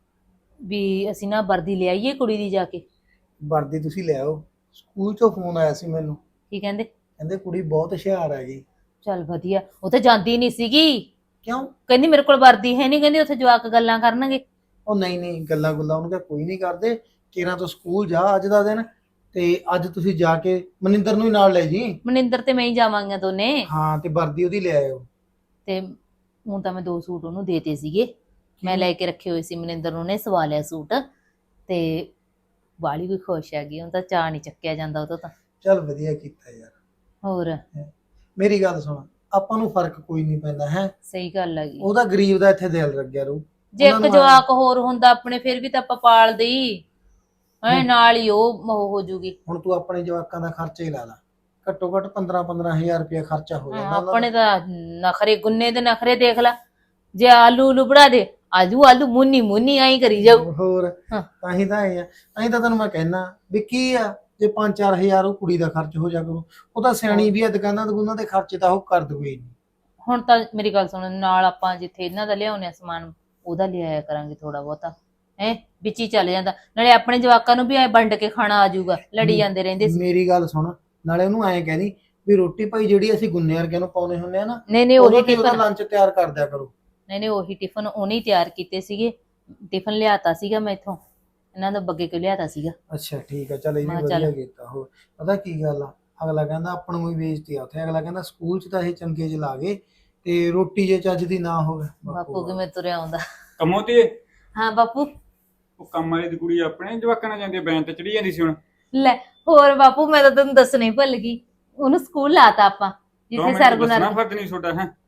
S1: ਵੀ ਅਸੀਂ ਨਾ ਵਰਦੀ ਲਿਆਈਏ ਕੁੜੀ ਦੀ ਜਾ ਕੇ।
S7: ਵਰਦੀ ਤੁਸੀਂ ਲੈ ਆਓ ਸਕੂਲ ਚੋਂ ਫੋਨ ਆਇਆ ਸੀ ਮੈਨੂੰ
S1: ਕੀ ਕਹਿੰਦੇ?
S7: ਕਹਿੰਦੇ ਕੁੜੀ ਬਹੁਤ ਹੁਸ਼ਿਆਰ ਹੈਗੀ।
S1: ਚੱਲ ਵਧੀਆ ਉਹ ਤਾਂ ਜਾਂਦੀ ਨਹੀਂ ਸੀਗੀ
S7: ਕਿਉਂ?
S1: ਕਹਿੰਦੀ ਮੇਰੇ ਕੋਲ ਵਰਦੀ ਹੈ ਨਹੀਂ ਕਹਿੰਦੀ ਉੱਥੇ ਜਵਾਕ ਗੱਲਾਂ ਕਰਨਗੇ।
S7: ਉਹ ਨਹੀਂ ਗੱਲਾਂ ਗੁੱਲਾਂ ਉਹਨੂੰ ਕਿਹਾ ਕੋਈ ਨਹੀਂ ਕਰਦੇ ਕਿਰਾਂ ਤੋਂ ਸਕੂਲ ਜਾ ਅੱਜ ਦਾ ਦਿਨ ਤੇ ਅੱਜ ਤੁਸੀਂ ਜਾ ਕੇ ਮਨਿੰਦਰ ਨੂੰ ਹੀ ਨਾਲ ਲੈ ਜੀ।
S1: ਮਨਿੰਦਰ ਤੇ ਮੈਂ ਹੀ ਜਾਵਾਂਗੀਆਂ ਦੋਨੇ।
S7: ਹਾਂ ਤੇ ਵਰਦੀ ਉਹਦੀ ਲੈ ਆਇਓ।
S1: ਤੇ ਹੁਣ ਤਾਂ ਮੈਂ 2 ਸੂਟ ਉਹਨੂੰ ਦੇਤੇ ਸੀਗੇ ਮੈਂ ਲੈ ਕੇ ਰੱਖੇ ਹੋਏ ਸੀ ਮਨਿੰਦਰ ਨੂੰ ਨੇ ਸਵਾ ਲਿਆ ਸੂਟ ਤੇ ਬਾਲੀ ਵੀ ਖੁਸ਼ ਹੈਗੀ ਹੁਣ ਤਾਂ ਚਾਅ ਨਹੀਂ ਚੱਕਿਆ ਜਾਂਦਾ ਉਹ ਤੋਂ ਤਾਂ।
S7: ਚੱਲ ਵਧੀਆ ਕੀਤਾ ਯਾਰ।
S1: ਹੋਰ
S7: ਮੇਰੀ ਗੱਲ ਸੁਣ ਆਪਾਂ ਨੂੰ ਫਰਕ ਕੋਈ ਨਹੀਂ ਪੈਂਦਾ ਹੈ
S1: ਸਹੀ ਗੱਲ ਹੈਗੀ।
S7: ਉਹਦਾ ਗਰੀਬ ਦਾ ਇੱਥੇ ਦਿਲ ਲੱਗਿਆ ਰਹੂ।
S1: ਜੇ
S7: ਉਹਨਾਂ
S1: ਇੱਕ
S7: ਨੂੰ
S1: ਜਵਾਕ ਹੋਰ ਹੁੰਦਾ ਆਪਣੇ ਫਿਰ ਵੀ ਤਾਂ ਆਪਾਂ ਪਾਲਦੇ ਹੀ ਐ ਨਾਲ ਹੀ ਉਹ ਹੋ ਜੂਗੀ।
S7: ਹੁਣ ਤੂੰ ਆਪਣੇ ਜਵਾਕਾਂ ਦਾ ਖਰਚਾ ਹੀ ਲਾ ਲਾ ਘੱਟੋ ਘੱਟ 15,000 ਰੁਪਇਆ ਖਰਚਾ ਹੋ ਜਾਂਦਾ ਉਹਨਾਂ
S1: ਆਪਣੇ
S7: ਦਾ।
S1: ਤਾਂ ਨਖਰੇ ਗੁੰਨੇ ਦੇ ਨਖਰੇ ਦੇਖ ਲਾ ਜੇ ਆਲੂ ਉਲੂ ਬਣਾ ਦੇ ਆਲੂ ਮੁੰਨੀ ਮੁੰਨੀ ਆਈ ਕਰੀ ਜਾਊ।
S7: ਹੋਰ
S1: ਹਾਂ।
S7: ਤਾਂ ਹੀ ਤਾਂ ਇਹ ਆ ਤਾਂ ਹੀ ਤਾਂ ਤੈਨੂੰ ਮੈਂ ਕਹਿਣਾ ਵੀ ਕੀ ਆ ਜੇ 5-4 ਹਜ਼ਾਰ ਉਹ ਕੁੜੀ ਦਾ ਖਰਚ ਹੋ ਜਾ ਕਰੂ ਉਹ ਤਾਂ ਸਿਆਣੀ ਵੀ ਆ ਦੁਕਾਨਾਂ ਦੇ ਖਰਚੇ ਤਾਂ ਉਹ ਕਰ ਦੂਗੀ ਨਹੀਂ।
S1: ਹੁਣ ਤਾਂ ਮੇਰੀ ਗੱਲ ਸੁਣ ਨਾਲ ਆਪਾਂ ਜਿੱਥੇ ਇਹਨਾਂ ਦਾ ਲਿਆਉਣੇ ਸਮਾਨ ਉਹਦਾ ਲਿਆਇਆ ਕਰਾਂਗੇ ਥੋੜਾ ਬਹੁਤਾ ਹੈ ਵਿੱਚ ਹੀ ਚੱਲ ਜਾਂਦਾ ਨਾਲੇ ਆਪਣੇ ਜਵਾਕਾਂ ਨੂੰ ਵੀ ਐ ਵੰਡ ਕੇ ਖਾਣਾ ਆ ਜਾਊਗਾ ਲੜੀ ਜਾਂਦੇ ਰਹਿੰਦੇ ਸੀ।
S7: ਮੇਰੀ ਗੱਲ ਸੁਣ ਨਾਲੇ ਉਹਨੂੰ ਐਂ ਕਹਿਦੀ ਵੀ ਰੋਟੀ ਭਾਈ ਜਿਹੜੀ ਅਸੀਂ ਗੁੰਨੇ ਵਰਗਿਆਂ ਨੂੰ ਪਾਉਨੇ ਹੁੰਦੇ ਆ ਨਾ
S1: ਨਹੀਂ
S7: ਉਹਦਾ
S1: ਉਹੀ
S7: ਵੀ ਉਹਦਾ
S1: ਟਿਫਨ
S7: ਲੰਚ ਤਿਆਰ ਕਰ ਦਿਆ ਕਰੋ।
S1: ਨਹੀਂ ਉਹੀ ਟਿਫਨ ਉਹਨੇ ਹੀ ਤਿਆਰ ਕੀਤੇ ਸੀਗੇ ਟਿਫਨ ਲਿਆਤਾ ਸੀਗਾ ਮੈਂ ਇੱਥੋਂ ਇਹਨਾਂ ਦਾ ਬੱਗੇ ਕਿਉਂ ਲਿਆਤਾ ਸੀਗਾ।
S7: ਅੱਛਾ ਠੀਕ ਆ ਚੱਲ ਇਹ ਵੀ
S1: ਮੈਂ
S7: ਵਧੀਆ
S1: ਚੱਲ।
S7: ਕੀਤਾ। ਹੋਰ ਪਤਾ ਕੀ ਗੱਲ ਆ ਅਗਲਾ ਕਹਿੰਦਾ ਆਪਾਂ ਨੂੰ ਵੀ ਬੇਇੱਜ਼ਤੀ ਆ ਉੱਥੇ ਅਗਲਾ ਕਹਿੰਦਾ ਸਕੂਲ 'ਚ ਤਾਂ ਇਹ ਚੰਗੇ ਚ ਲਾ ਗਏ ਤੇ ਰੋਟੀ ਜੇ ਚੱਜ ਦੀ ਨਾ ਹੋਵੇ
S1: ਬਾਪੂ ਕਿਵੇਂ ਤੁਰਿਆ ਆਉਂਦਾ।
S8: ਕੰਮੋਂ ਤੇ
S1: ਹਾਂ ਬਾਪੂ
S8: ਉਹ ਕੰਮ ਵਾਲੀ ਦੀ ਕੁੜੀ ਆਪਣੇ ਜਵਾਕਾਂ ਨਾਲ ਜਾਂਦੀ ਬੈਨ ਤੇ ਚੜੀ ਜਾਂਦੀ ਸੀ ਹੁਣ
S1: ਲੈ ਹੋਰ ਬਾਪੂ ਮੈਂ ਤਾਂ ਤੈਨੂੰ ਦੱਸਣਾ ਹੀ ਭੁੱਲ ਗਈ ਉਹਨੂੰ ਸਕੂਲ ਲਾਤਾ ਆਪਾਂ ਜਿੱਥੇ ਸਰਗੁਣਾ
S8: ਦੱਸਣਾ ਫਰਜ਼ ਨਹੀਂ ਛੋਟਾ ਹੈ।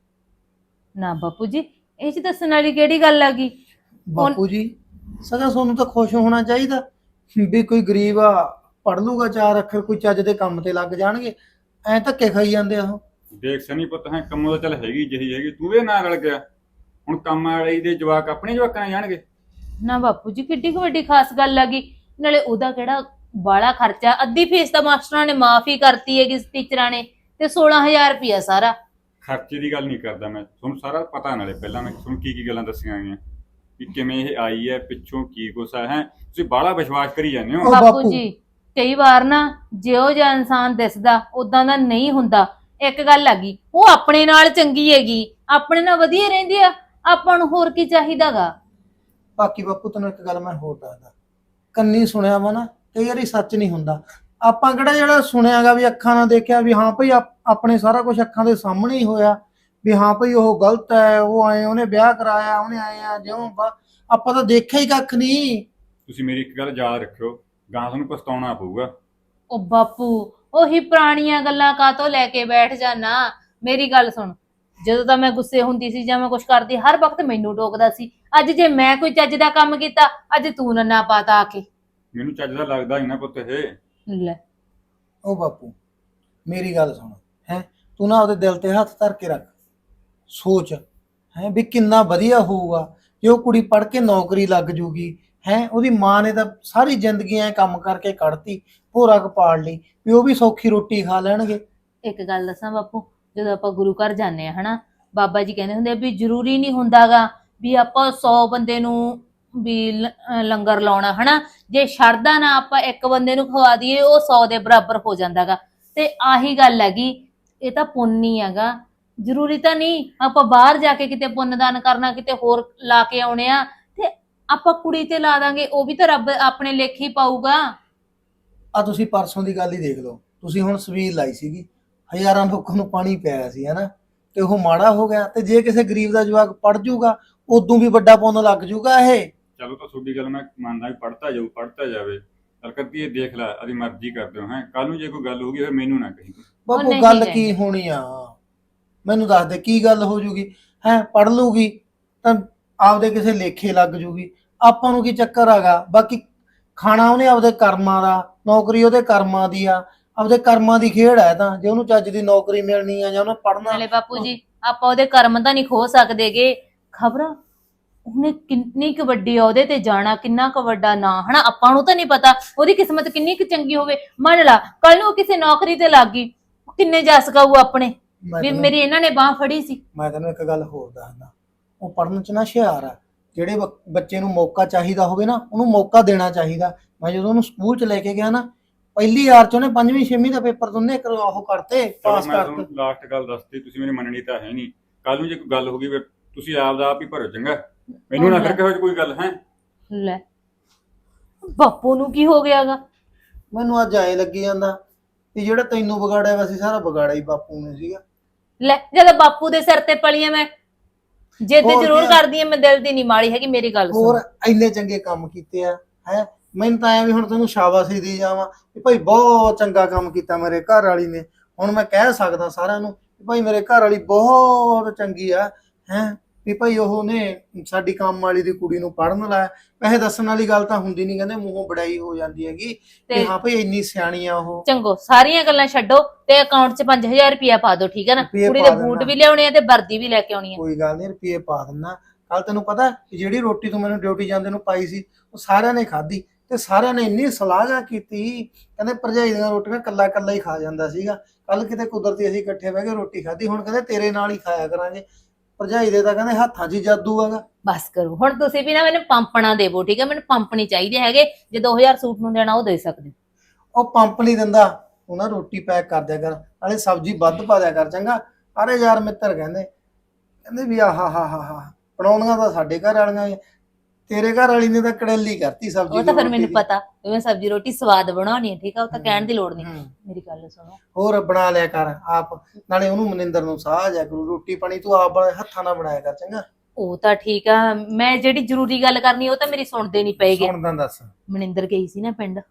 S1: ਨਾ ਬਾਪੂ ਜੀ ਇਹ ਚ ਦੱਸਣ ਵਾਲੀ ਕਿਹੜੀ ਗੱਲ ਆ ਗਈ।
S7: ਬਾਪੂ ਜੀ ਸਦਾ ਤੁਹਾਨੂੰ ਤਾਂ ਖੁਸ਼ ਹੋਣਾ ਚਾਹੀਦਾ ਵੀ ਕੋਈ ਗਰੀਬ ਆ ਪੜ ਲੂਗਾ 4 ਅੱਖਰ ਕੋਈ ਚੱਜ ਦੇ ਕੰਮ ਤੇ ਲੱਗ ਜਾਣਗੇ ਐ ਧੱਕੇ ਖਾਈ ਜਾਂਦੇ ਆ ਉਹ।
S8: ਦੇਖ ਸਨੀ ਪੁੱਤ ਹੈ ਕੰਮੋਂ ਤਾਂ ਚੱਲ ਹੈਗੀ ਜਿਹੀ ਹੈਗੀ ਤੂੰ ਵੀ ਨਾਲ ਰਲ ਗਿਆ ਹੁਣ ਕੰਮ ਵਾਲੀ ਦੇ ਜਵਾਕ ਆਪਣੇ ਜਵਾਕਾਂ ਨਾਲ ਜਾਣਗੇ।
S1: ਨਾ ਬਾਪੂ ਜੀ ਕਿੱਡੀ ਕੁ ਵੱਡੀ ਖਾਸ ਗੱਲ ਆ ਗਈ ਨਾਲੇ ਉਹਦਾ ਕਿਹੜਾ ਬਾਲਾ ਖਰਚਾ ਅੱਧੀ ਫੀਸ ਤਾਂ ਮਾਸਟਰਾਂ ਨੇ ਮਾਫੀ ਕਰਤੀ ਹੈਗੀ ਟੀਚਰਾਂ ਨੇ ਤੇ 16000 ਰੁਪਇਆ ਸਾਰਾ।
S8: ਖਰਚੇ ਦੀ ਗੱਲ ਨਹੀਂ ਕਰਦਾ ਮੈਂ ਤੁਹਾਨੂੰ ਸਾਰਾ ਪਤਾ ਨਾਲੇ ਪਹਿਲਾਂ ਮੈਂ ਤੁਹਾਨੂੰ ਕੀ ਗੱਲਾਂ ਦੱਸੀਆਂ ਗਈਆਂ ਕਿ ਕਿਵੇਂ ਇਹ ਆਈ ਹੈ ਪਿੱਛੋਂ ਕੀ ਕੁਛ ਹੈ ਤੁਸੀਂ ਬਾਹਲਾ ਵਿਸ਼ਵਾਸ ਕਰੀ ਜਾਂਦੇ ਹੋ।
S7: ਉਹ
S1: ਬਾਪੂ
S7: ਬਾਪੂ।
S1: ਜੀ ਕਈ ਵਾਰ ਨਾ ਜਿਹੋ ਜਿਹਾ ਇਨਸਾਨ ਦਿਸਦਾ ਉਦਾਂ ਦਾ ਨਹੀਂ ਹੁੰਦਾ ਇੱਕ ਗੱਲ ਆ ਗਈ, ਉਹ ਆਪਣੇ ਨਾਲ ਚੰਗੀ ਹੈਗੀ, ਆਪਣੇ ਨਾਲ ਵਧੀਆ ਰਹਿੰਦੀ ਆ, ਆਪਾਂ ਨੂੰ ਹੋਰ ਕੀ ਚਾਹੀਦਾਗਾ।
S7: ਬਾਕੀ ਬਾਪੂ ਤੈਨੂੰ ਇੱਕ ਗੱਲ ਮੈਂ ਹੋਰ ਦੱਸਦਾ, ਕੰਨੀ ਸੁਣਿਆ ਵਾ ਨਾ ਕਈ ਵਾਰੀ ਸੱਚ ਨਹੀਂ ਹੁੰਦਾ। ਆਪਾਂ ਕਿਹੜਾ ਜਿਹੜਾ ਸੁਣਿਆਗਾ ਵੀ ਅੱਖਾਂ ਨਾਲ ਦੇਖਿਆ ਵੀ ਹਾਂ ਭਈ ਆਪਣੇ ਸਾਰਾ ਕੁਝ ਅੱਖਾਂ ਦੇ ਸਾਹਮਣੇ ਹੀ ਹੋਇਆ ਵੀ ਹਾਂ ਭਈ ਉਹ ਗਲਤ ਹੈ, ਉਹ ਆਏ ਉਹਨੇ ਵਿਆਹ ਕਰਾਇਆ, ਉਹਨੇ ਆਏ ਆ ਜਿਉਂ ਆਪਾਂ ਤਾਂ ਦੇਖਿਆ ਹੀ ਕੱਖ ਨਹੀਂ।
S8: ਤੁਸੀਂ ਮੇਰੀ ਇੱਕ ਗੱਲ ਯਾਦ ਰੱਖਿਓ, ਗਾਂ ਤੁਹਾਨੂੰ ਪਛਤਾਉਣਾ ਪਊਗਾ।
S1: ਉਹ ਬਾਪੂ, ਉਹੀ ਪੁਰਾਣੀਆਂ ਗੱਲਾਂ ਕਾਹਤੋਂ ਲੈ ਕੇ ਬੈਠ ਜਾਣਾ। ਮੇਰੀ ਗੱਲ ਸੁਣ, ਜਦੋਂ ਤਾਂ ਮੈਂ ਗੁੱਸੇ ਹੁੰਦੀ ਸੀ ਜਾਂ ਮੈਂ ਕੁਝ ਕਰਦੀ, ਹਰ ਵਕਤ ਮੈਨੂੰ ਟੋਕਦਾ ਸੀ। ਅੱਜ ਜੇ ਮੈਂ ਕੋਈ ਚੱਜ ਦਾ ਕੰਮ ਕੀਤਾ, ਅੱਜ ਤੂੰ ਨੰਨਾ ਪਾਤਾ ਆ ਕੇ।
S8: ਮੈਨੂੰ ਚੱਜ ਦਾ ਲੱਗਦਾ ਹੀ ਨਾ ਪੁੱਤ ਇਹ।
S1: ਲੈ,
S7: ਉਹ ਬਾਪੂ ਮੇਰੀ ਗੱਲ ਸੁਣ, ਹੈ ਤੂੰ ਨਾ ਉਹਦੇ ਦਿਲ ਤੇ ਹੱਥ ਧਰ ਕੇ ਰੱਖ, ਸੋਚ ਹੈ ਵੀ ਕਿੰਨਾ ਵਧੀਆ ਹੋਊਗਾ ਜੇ ਉਹ ਕੁੜੀ ਪੜ੍ਹ ਕੇ ਨੌਕਰੀ ਲੱਗ ਜੂਗੀ। ਹੈ ਉਹਦੀ ਮਾਂ ਨੇ ਤਾਂ ਸਾਰੀ ਜ਼ਿੰਦਗੀ ਐ ਕੰਮ ਕਰਕੇ ਕੱਢਤੀ, ਭੋਰਾ ਕਪਾੜ ਲਈ, ਵੀ ਉਹ ਵੀ ਸੌਖੀ ਰੋਟੀ ਖਾ ਲੈਣਗੇ।
S1: ਇੱਕ ਗੱਲ ਦੱਸਾਂ ਬਾਪੂ, ਜਦੋਂ ਆਪਾਂ ਗੁਰੂ ਘਰ ਜਾਂਦੇ ਆ ਹਨਾ, ਬਾਬਾ ਜੀ ਕਹਿੰਦੇ ਹੁੰਦੇ ਆ ਵੀ ਜ਼ਰੂਰੀ ਨਹੀਂ ਹੁੰਦਾਗਾ ਵੀ ਆਪਾਂ 100 ਬੰਦੇ ਨੂੰ ਵੀ ਲੰਗਰ ਲਾਉਣਾ ਹਨਾ। ਜੇ ਸ਼ਰਧਾ ਨਾ ਆਪਾਂ ਇੱਕ ਬੰਦੇ ਨੂੰ ਖਵਾ ਦਈਏ, ਉਹ 100 ਦੇ ਬਰਾਬਰ ਹੋ ਜਾਂਦਾਗਾ। ਤੇ ਆਹੀ ਗੱਲ ਹੈਗੀ, ਇਹ ਤਾਂ ਪੁੰਨ ਹੀ ਹੈਗਾ। ਜ਼ਰੂਰੀ ਤਾਂ ਨਹੀਂ ਆਪਾਂ ਬਾਹਰ ਜਾ ਕੇ ਕਿਤੇ ਪੁੰਨਦਾਨ ਕਰਨਾ, ਕਿਤੇ ਹੋਰ ਲਾ ਕੇ ਆਉਣੇ ਆ, ਤੇ ਆਪਾਂ ਕੁੜੀ ਤੇ ਲਾ ਦਾਂਗੇ, ਉਹ ਵੀ ਤਾਂ ਰੱਬ ਆਪਣੇ ਲੇਖੇ ਹੀ ਪਾਊਗਾ।
S7: ਆ ਤੁਸੀਂ ਪਰਸੋਂ ਦੀ ਗੱਲ ਹੀ ਦੇਖ ਲਓ, ਤੁਸੀਂ ਹੁਣ ਸਵੀਲ ਲਾਈ ਸੀਗੀ, ਹਜ਼ਾਰਾਂ ਲੋਕਾਂ ਨੂੰ ਪਾਣੀ ਪਿਆਇਆ ਸੀ ਹਨਾ, ਤੇ ਉਹ ਮਾੜਾ ਹੋ ਗਿਆ। ਤੇ ਜੇ ਕਿਸੇ ਗਰੀਬ ਦਾ ਜਵਾਕ ਪੜ ਜੂਗਾ, ਉਦੋਂ ਵੀ ਵੱਡਾ ਪੁੰਨ ਲੱਗ ਜੂਗਾ ਇਹ।
S8: ਚਲੋ ਤਾਂ ਤੁਹਾਡੀ ਗੱਲ ਮੈਂ ਮੰਨਦਾ ਵੀ ਪੜਤਾ ਜਾਵੇ। ਚੱਲ ਕਰਦੀ ਇਹ ਦੇਖ ਲੈ, ਆਦੀ ਮਰਜ਼ੀ ਕਰਦੇ ਹੋ ਹੈ। ਕੱਲ ਨੂੰ ਜੇ ਕੋਈ ਗੱਲ ਹੋਊਗੀ ਫਿਰ ਮੈਨੂੰ ਨਾ ਕਹੀ।
S7: ਬਾਪੂ
S1: ਨਹੀਂ
S7: ਗੱਲ
S1: ਕਹਿੰਦੇ।
S7: ਕੀ ਹੋਣੀ ਆ, ਮੈਨੂੰ ਦੱਸ ਦੇ ਕੀ ਗੱਲ ਹੋ ਜੂਗੀ। ਹੈ ਪੜ ਲੂਗੀ ਤਾਂ ਆਪਦੇ ਕਿਸੇ ਲੇਖੇ ਲੱਗ ਜੂਗੀ, ਆਪਾਂ ਨੂੰ ਕੀ ਚੱਕਰ ਹੈਗਾ। ਬਾਕੀ ਖਾਣਾ ਉਹਨੇ ਆਪਦੇ ਕਰਮਾਂ ਦਾ, ਨੌਕਰੀ ਉਹਦੇ ਕਰਮਾਂ ਦੀ ਆ, ਆਪਦੇ ਕਰਮਾਂ ਦੀ ਖੇਡ ਹੈ। ਤਾਂ ਜੇ ਉਹਨੂੰ ਚੱਜ ਦੀ ਨੌਕਰੀ ਮਿਲਣੀ ਆ ਜਾਂ ਉਹਨੇ ਪੜਨਾ।
S1: ਨਾਲੇ ਬਾਪੂ ਜੀ, ਆਪਾਂ ਉਹਦੇ ਕਰਮ ਤਾਂ ਨਹੀਂ ਖੋ ਸਕਦੇਗੇ। ਖਬਰ ਉਹਨੇ ਕਿੰਨੀ ਕੁ ਵੱਡੀ ਅਹੁਦੇ ਤੇ ਜਾਣਾ, ਕਿੰਨਾ ਕੁ ਵੱਡਾ ਨਾਂ ਹਨਾ, ਆਪਾਂ ਨੂੰ ਤਾਂ ਨਹੀਂ ਪਤਾ ਉਹਦੀ ਕਿਸਮਤ ਕਿੰਨੀ ਕੁ ਚੰਗੀ ਹੋਵੇ। ਮੰਨ ਲਾ ਕੱਲ ਨੂੰ ਕਿਸੇ ਨੌਕਰੀ ਤੇ ਲੱਗ ਗਈ, ਕਿੰਨੇ ਜਸ ਗਾਊ ਆਪਣੇ ਵੀ ਮੇਰੀ ਇਹਨਾਂ ਨੇ ਬਾਹ ਫੜੀ ਸੀ।
S7: ਮੈਂ ਤੈਨੂੰ ਇੱਕ ਗੱਲ ਹੋਰ ਦੱਸਦਾ, ਉਹ ਪੜਨ ਚ ਨਾ ਹੁਸ਼ਿਆਰ ਆ। ਜਿਹੜੇ ਬੱਚੇ ਨੂੰ ਮੌਕਾ ਚਾਹੀਦਾ ਹੋਵੇ ਨਾ, ਉਹਨੂੰ ਮੌਕਾ ਦੇਣਾ ਚਾਹੀਦਾ। ਮੈਂ ਜਦੋਂ ਉਹਨੂੰ ਸਕੂਲ ਚ ਲੈ ਕੇ ਗਿਆ ਨਾ, ਪਹਿਲੀ ਵਾਰ ਚ ਉਹਨੇ 5ਵੀਂ 6ਵੀਂ ਦਾ ਪੇਪਰ ਦੋਨੇ ਉਹ ਕਰਤੇ, ਪਾਸ
S8: ਮੈਂ
S7: ਕਰਤੇ।
S8: ਤੁਹਾਨੂੰ ਲਾਸਟ ਗੱਲ ਦੱਸਦੀ, ਤੁਸੀਂ ਮੇਰੀ ਮੰਨਣੀ ਤਾਂ ਹੈ ਨਹੀਂ। ਕੱਲ ਨੂੰ ਜੇ ਕੋਈ ਗੱਲ ਹੋ ਗਈ, ਤੁਸੀਂ ਆਪ ਦਾ ਆਪ ਹੀ ਭਰੋ ਚੰਗਾ। ਮੈਨੂੰ ਨਾ ਕਰਕੇ ਹੋਏ ਕੋਈ ਗੱਲ ਹੈ।
S1: ਲੈ ਬਾਪੂ ਨੂੰ ਕੀ ਹੋ ਗਿਆਗਾ?
S7: ਮੈਨੂੰ ਅੱਜ ਐ ਲੱਗੀ ਜਾਂਦਾ ਵੀ ਜਿਹੜਾ ਤੈਨੂੰ ਵਿਗਾੜਿਆ ਵੈਸੇ ਸਾਰਾ ਵਿਗਾੜਿਆ ਹੀ ਬਾਪੂ ਨੇ ਸੀਗਾ।
S1: ਲੈ ਜਦੋਂ ਬਾਪੂ ਦੇ ਸਿਰ ਤੇ ਪਲੀਆਂ, ਮੈਂ ਜਿੱਦ
S7: ਹੋਰ
S1: ਜ਼ਰੂਰ
S7: ਕੀ ਆ?
S1: ਕਰਦੀ ਆ, ਮੈਂ ਦਿਲ ਦੀ ਨਹੀਂ ਮਾੜੀ ਹੈਗੀ। ਮੇਰੀ ਗੱਲ ਸੁਣ,
S7: ਹੋਰ ਇੰਨੇ ਚੰਗੇ ਕੰਮ ਕੀਤੇ ਆ ਹੈ। ਮੈਨੂੰ ਤਾਂ ਐ ਵੀ ਹੁਣ ਤੈਨੂੰ ਸ਼ਾਬਾਸ਼ੀ ਦੀ ਜਾਵਾਂ ਵੀ ਭਾਈ ਬਹੁਤ ਚੰਗਾ ਕੰਮ ਕੀਤਾ ਮੇਰੇ ਘਰ ਵਾਲੀ ਨੇ। ਹੁਣ ਮੈਂ ਕਹਿ ਸਕਦਾ ਸਾਰਿਆਂ ਨੂੰ ਵੀ ਭਾਈ ਮੇਰੇ ਘਰ ਵਾਲੀ ਬਹੁਤ ਚੰਗੀ ਆ ਹੈ, ਵੀ ਭਾਈ ਉਹਨੇ ਸਾਡੀ ਕੰਮ ਵਾਲੀ ਦੀ ਕੁੜੀ ਨੂੰ ਪੜਨ ਲਾਇਆ। ਪੈਸੇ ਦੱਸਣ ਵਾਲੀ ਗੱਲ ਤਾਂ ਹੁੰਦੀ ਨਹੀਂ, ਕਹਿੰਦੇ ਮੂੰਹੋਂ ਬੜਾਈ ਹੋ ਜਾਂਦੀ ਹੈਗੀ ਕਿ ਹਾਂ ਭਾਈ ਇੰਨੀ ਸਿਆਣੀ ਆ ਉਹ।
S1: ਚੰਗੋ ਸਾਰੀਆਂ ਗੱਲਾਂ ਛੱਡੋ ਤੇ ਅਕਾਊਂਟ 'ਚ 5000 ਰੁਪਇਆ ਪਾ ਦਿਓ, ਠੀਕ ਹੈ ਨਾ?
S7: ਰੁਪਈਏ
S1: ਕੁੜੀ
S7: ਪਾ
S1: ਦੇ ਬੂਟ
S7: ਦੇਣਾ।
S1: ਵੀ ਲਿਆਉਣੇ ਆ ਤੇ ਵਰਦੀ ਵੀ ਲੈ ਕੇ ਆਉਣੀ ਆ।
S7: ਕੋਈ ਗੱਲ ਨਹੀਂ, ਰੁਪਏ ਪਾ ਦਿੰਦਾ। ਕੱਲ ਤੈਨੂੰ ਪਤਾ ਕਿ ਜਿਹੜੀ ਰੋਟੀ ਤੂੰ ਮੈਨੂੰ ਡਿਊਟੀ ਜਾਂਦੇ ਨੂੰ ਪਾਈ ਸੀ, ਉਹ ਸਾਰਿਆਂ ਨੇ ਖਾਧੀ ਤੇ ਸਾਰਿਆਂ ਨੇ ਇੰਨੀ ਸਲਾਹ ਕੀਤੀ, ਕਹਿੰਦੇ ਭਰਜਾਈ ਦੀਆਂ ਰੋਟੀਆਂ ਕੱਲਾ ਕੱਲਾ ਹੀ ਖਾ ਜਾਂਦਾ ਸੀਗਾ। ਕੱਲ ਕਿਤੇ ਕੁਦਰਤੀ ਅਸੀਂ ਇਕੱਠੇ ਬਹਿ ਕੇ ਰੋਟੀ ਖਾਧੀ, ਹੁਣ ਕਹਿੰਦੇ ਤੇਰੇ ਨਾਲ ਹੀ ਖਾਇਆ ਕਰਾਂਗੇ। ਭਰਜਾਈ ਦੇ ਤਾਂ ਕਹਿੰਦੇ ਹੱਥਾਂ 'ਚ ਹੀ ਜਾਦੂ ਹੈਗਾ।
S1: ਬਸ ਕਰੋ ਹੁਣ, ਤੁਸੀਂ ਵੀ ਨਾ ਮੈਨੂੰ ਪੰਪਣਾ ਦੇਵੋ, ਠੀਕ ਹੈ? ਮੈਨੂੰ ਪੰਪ ਨਹੀਂ ਚਾਹੀਦੇ ਹੈਗੇ। ਜੇ 2000 ਸੂਟ ਨੂੰ ਦੇਣਾ ਉਹ ਦੇ ਸਕਦੇ।
S7: ਉਹ ਪੰਪ ਨਹੀਂ ਦਿੰਦਾ, ਉਹ ਨਾ ਰੋਟੀ ਪੈਕ ਕਰ ਦਿਆ ਕਰ, ਨਾਲੇ ਸਬਜ਼ੀ ਵੱਧ ਪਾ ਦਿਆ ਕਰ ਚੰਗਾ। ਅਰੇ ਯਾਰ ਮਿੱਤਰ ਕਹਿੰਦੇ ਵੀ ਆਹਾ ਬਣਾਉਣੀਆਂ ਤਾਂ ਸਾਡੇ ਘਰ ਵਾਲੀਆਂ ਹੀ ਆ। ਤੇਰੇ ਘਰ ਵਾਲੀ ਨੇ ਤਾਂ ਕੜੇਲੀ ਕਰਤੀ ਸਬਜ਼ੀ
S1: ਉਹ ਤਾਂ ਫਿਰ
S7: ਰੋਟੀ
S1: ਮੈਨੂੰ
S7: ਦੀ।
S1: ਪਤਾ ਵੀ ਮੈਂ ਸਬਜ਼ੀ ਰੋਟੀ ਸਵਾਦ ਬਣਾਉਣੀ ਹੈ, ਠੀਕ ਆ? ਉਹ ਤਾਂ ਕਹਿਣ ਦੀ ਲੋੜ ਨਹੀਂ।
S7: ਹੂੰ।
S1: ਮੇਰੀ ਗੱਲ ਸੁਣੋ,
S7: ਹੋਰ ਬਣਾ ਲਿਆ ਕਰ ਆਪ, ਨਾਲੇ ਉਹਨੂੰ ਮਨਿੰਦਰ ਨੂੰ ਸਾਹ ਜਾ ਕਰੂ, ਰੋਟੀ ਪਾਣੀ ਤੂੰ ਆਪ ਹੱਥਾਂ ਨਾਲ ਬਣਾਇਆ ਕਰ ਚੰਗਾ।
S1: ਉਹ ਤਾਂ ਠੀਕ ਆ, ਮੈਂ ਜਿਹੜੀ ਜ਼ਰੂਰੀ ਗੱਲ ਕਰਨੀ ਉਹ ਤਾਂ ਮੇਰੀ ਸੁਣਦੇ ਨਹੀਂ ਪਏਗੇ।
S7: ਸੁਣਦਾ ਦੱਸ।
S1: ਮਨਿੰਦਰ ਗਈ ਸੀ ਨਾ ਪਿੰਡ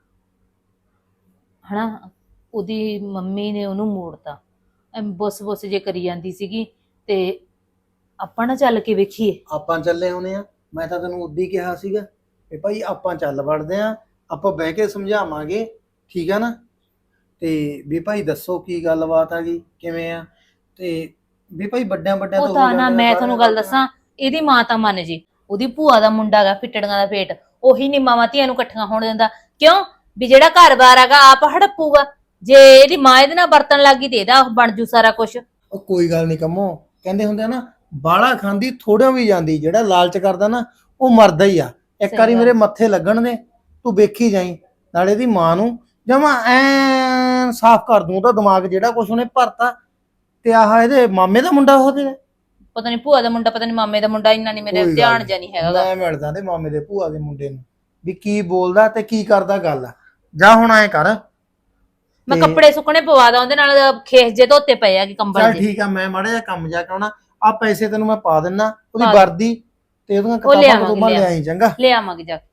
S1: ਹਨਾ, ਉਹਦੀ ਮੰਮੀ ਨੇ ਉਹਨੂੰ ਮੋੜਤਾ। ਬੁੱਸ ਜੇ ਕਰੀ ਜਾਂਦੀ ਸੀਗੀ, ਤੇ ਆਪਾਂ ਨਾ ਚੱਲ ਕੇ ਵੇਖੀਏ।
S7: ਆਪਾਂ ਚੱਲੇ ਆਉਨੇ ਆ, ਮੈਂ ਤਾਂ ਤੈਨੂੰ ਉਦੋਂ ਹੀ ਕਿਹਾ ਸੀਗਾ ਵੀ ਭਾਈ ਆਪਾਂ ਚੱਲ ਵੜਦੇ ਆ, ਆਪਾਂ ਬਹਿ ਕੇ ਸਮਝਾਵਾਂਗੇ, ਠੀਕ ਆ ਨਾ? ਤੇ ਵੀ ਭਾਈ ਦੱਸੋ ਕੀ ਗੱਲਬਾਤ ਆ ਗਈ, ਕਿਵੇਂ ਆ, ਤੇ ਵੀ ਭਾਈ ਵੱਡਿਆਂ
S1: ਉਹ
S7: ਤੋਂ
S1: ਤਾਂ
S7: ਹੋ
S1: ਨਾ,
S7: ਜਾਂਦੇ
S1: ਮੈਂ
S7: ਆ
S1: ਤੁਹਾਨੂੰ ਗੱਲ ਦੱਸਾਂ, ਇਹਦੀ ਮਾਂ ਤਾਂ ਮੰਨ ਜੇ, ਉਹਦੀ ਭੂਆ ਦਾ ਮੁੰਡਾ ਗਾ ਫਿੱਟੜੀਆਂ ਦਾ ਪੇਟ, ਉਹੀ ਨੀ ਮਾਵਾਂ ਧੀਆਂ ਨੂੰ ਇਕੱਠੀਆਂ ਹੋਣ ਦਿੰਦਾ। ਕਿਉਂ? ਵੀ ਜਿਹੜਾ ਘਰ-ਬਾਰ ਹੈਗਾ ਆਪ ਹੜਪੂਗਾ। ਜੇ ਇਹਦੀ ਮਾਂ ਇਹਦੇ ਨਾਲ ਵਰਤਣ ਲੱਗੀ ਤੇ ਇਹਦਾ ਬਣ ਜੂ ਸਾਰਾ ਕੁਝ।
S7: ਉਹ ਕੋਈ ਗੱਲ ਨਹੀਂ ਕੰਮੋ, ਕਹਿੰਦੇ ਹੁੰਦੇ ਆ ਨਾ, ਬਾਲਾ ਖਾਂਦੀ ਥੋੜਿਆਂ ਵੀ ਜਾਂਦੀ। ਜਿਹੜਾ ਲਾਲਚ ਕਰਦਾ ਨਾ ਉਹ ਮਰਦਾ ਹੀ ਆ। ਇੱਕ
S1: ਸਹੀ
S7: ਵਾਰੀ
S1: ਗੱਲ।
S7: ਮੇਰੇ ਮੱਥੇ ਲੱਗਣ ਦੇ, ਤੂੰ ਵੇਖੀ ਜਾਈ। ਨਾਲੇ ਦੀ ਮਾਂ ਨੂੰ ਜਮਾ ਐਨ ਸਾਫ਼ ਕਰ ਦੂੰ ਉਹਦਾ ਦਿਮਾਗ, ਜਿਹੜਾ ਕੁਛ ਉਹਨੇ ਭਰਤਾ ਤੇ ਆਹ ਇਹਦੇ ਮਾਮੇ ਦਾ ਮੁੰਡਾ ਉਹ ਤੇਰੇ?
S1: ਪਤਾ ਨਹੀਂ ਭੂਆ ਦਾ ਮੁੰਡਾ, ਪਤਾ ਨਹੀਂ ਮਾਮੇ ਦਾ ਮੁੰਡਾ, ਇੰਨਾ ਨਹੀਂ ਮੇਰੇ
S7: ਕੋਈ ਗੱਲ
S1: ਧਿਆਨ
S7: ਨੀ।
S1: ਜਿਹਾ ਨਹੀਂ ਹੈਗਾ ਗਾ।
S7: ਮੈਂ ਮਿਲਦਾ ਤੇ ਮਾਮੇ ਦੇ ਭੂਆ ਦੇ ਮੁੰਡੇ ਨੂੰ ਵੀ ਕੀ ਬੋਲਦਾ ਤੇ ਕੀ ਕਰਦਾ ਗੱਲ ਆ। ਜਾ ਹੁਣ ਐ ਕਰ,
S1: ਮੈਂ
S7: ਤੇ-
S1: ਕੱਪੜੇ ਸੁੱਕਣੇ ਪਵਾ ਦਾਂ ਉਹਦੇ ਨਾਲ, ਖੇਸ ਜੇ ਧੋਤੇ ਪਏ ਆ ਕਿ ਕੰਬਲ
S7: ਚੱਲ
S1: ਜੇ।
S7: ਠੀਕ ਆ, ਮੈਂ ਮਾੜਾ ਜਿਹਾ ਕੰਮ ਜਾ ਕੇ ਆਉਣਾ। ਆ ਪੈਸੇ ਤੈਨੂੰ ਮੈਂ ਪਾ ਦਿੰਨਾ, ਉਹਦੀ
S1: ਪਾ ਦੇ।
S7: ਵਰਦੀ ਤੇ ਉਹਦੀਆਂ
S1: ਉਹ
S7: ਕਿਤਾਬਾਂ
S1: ਲਿਆਵਾਂਗੇ,
S7: ਤੋਂ ਲਿਆਈ ਚੰਗਾ।
S1: ਲੈ ਆਵਾਂਗੇ ਜਾ ਕੇ।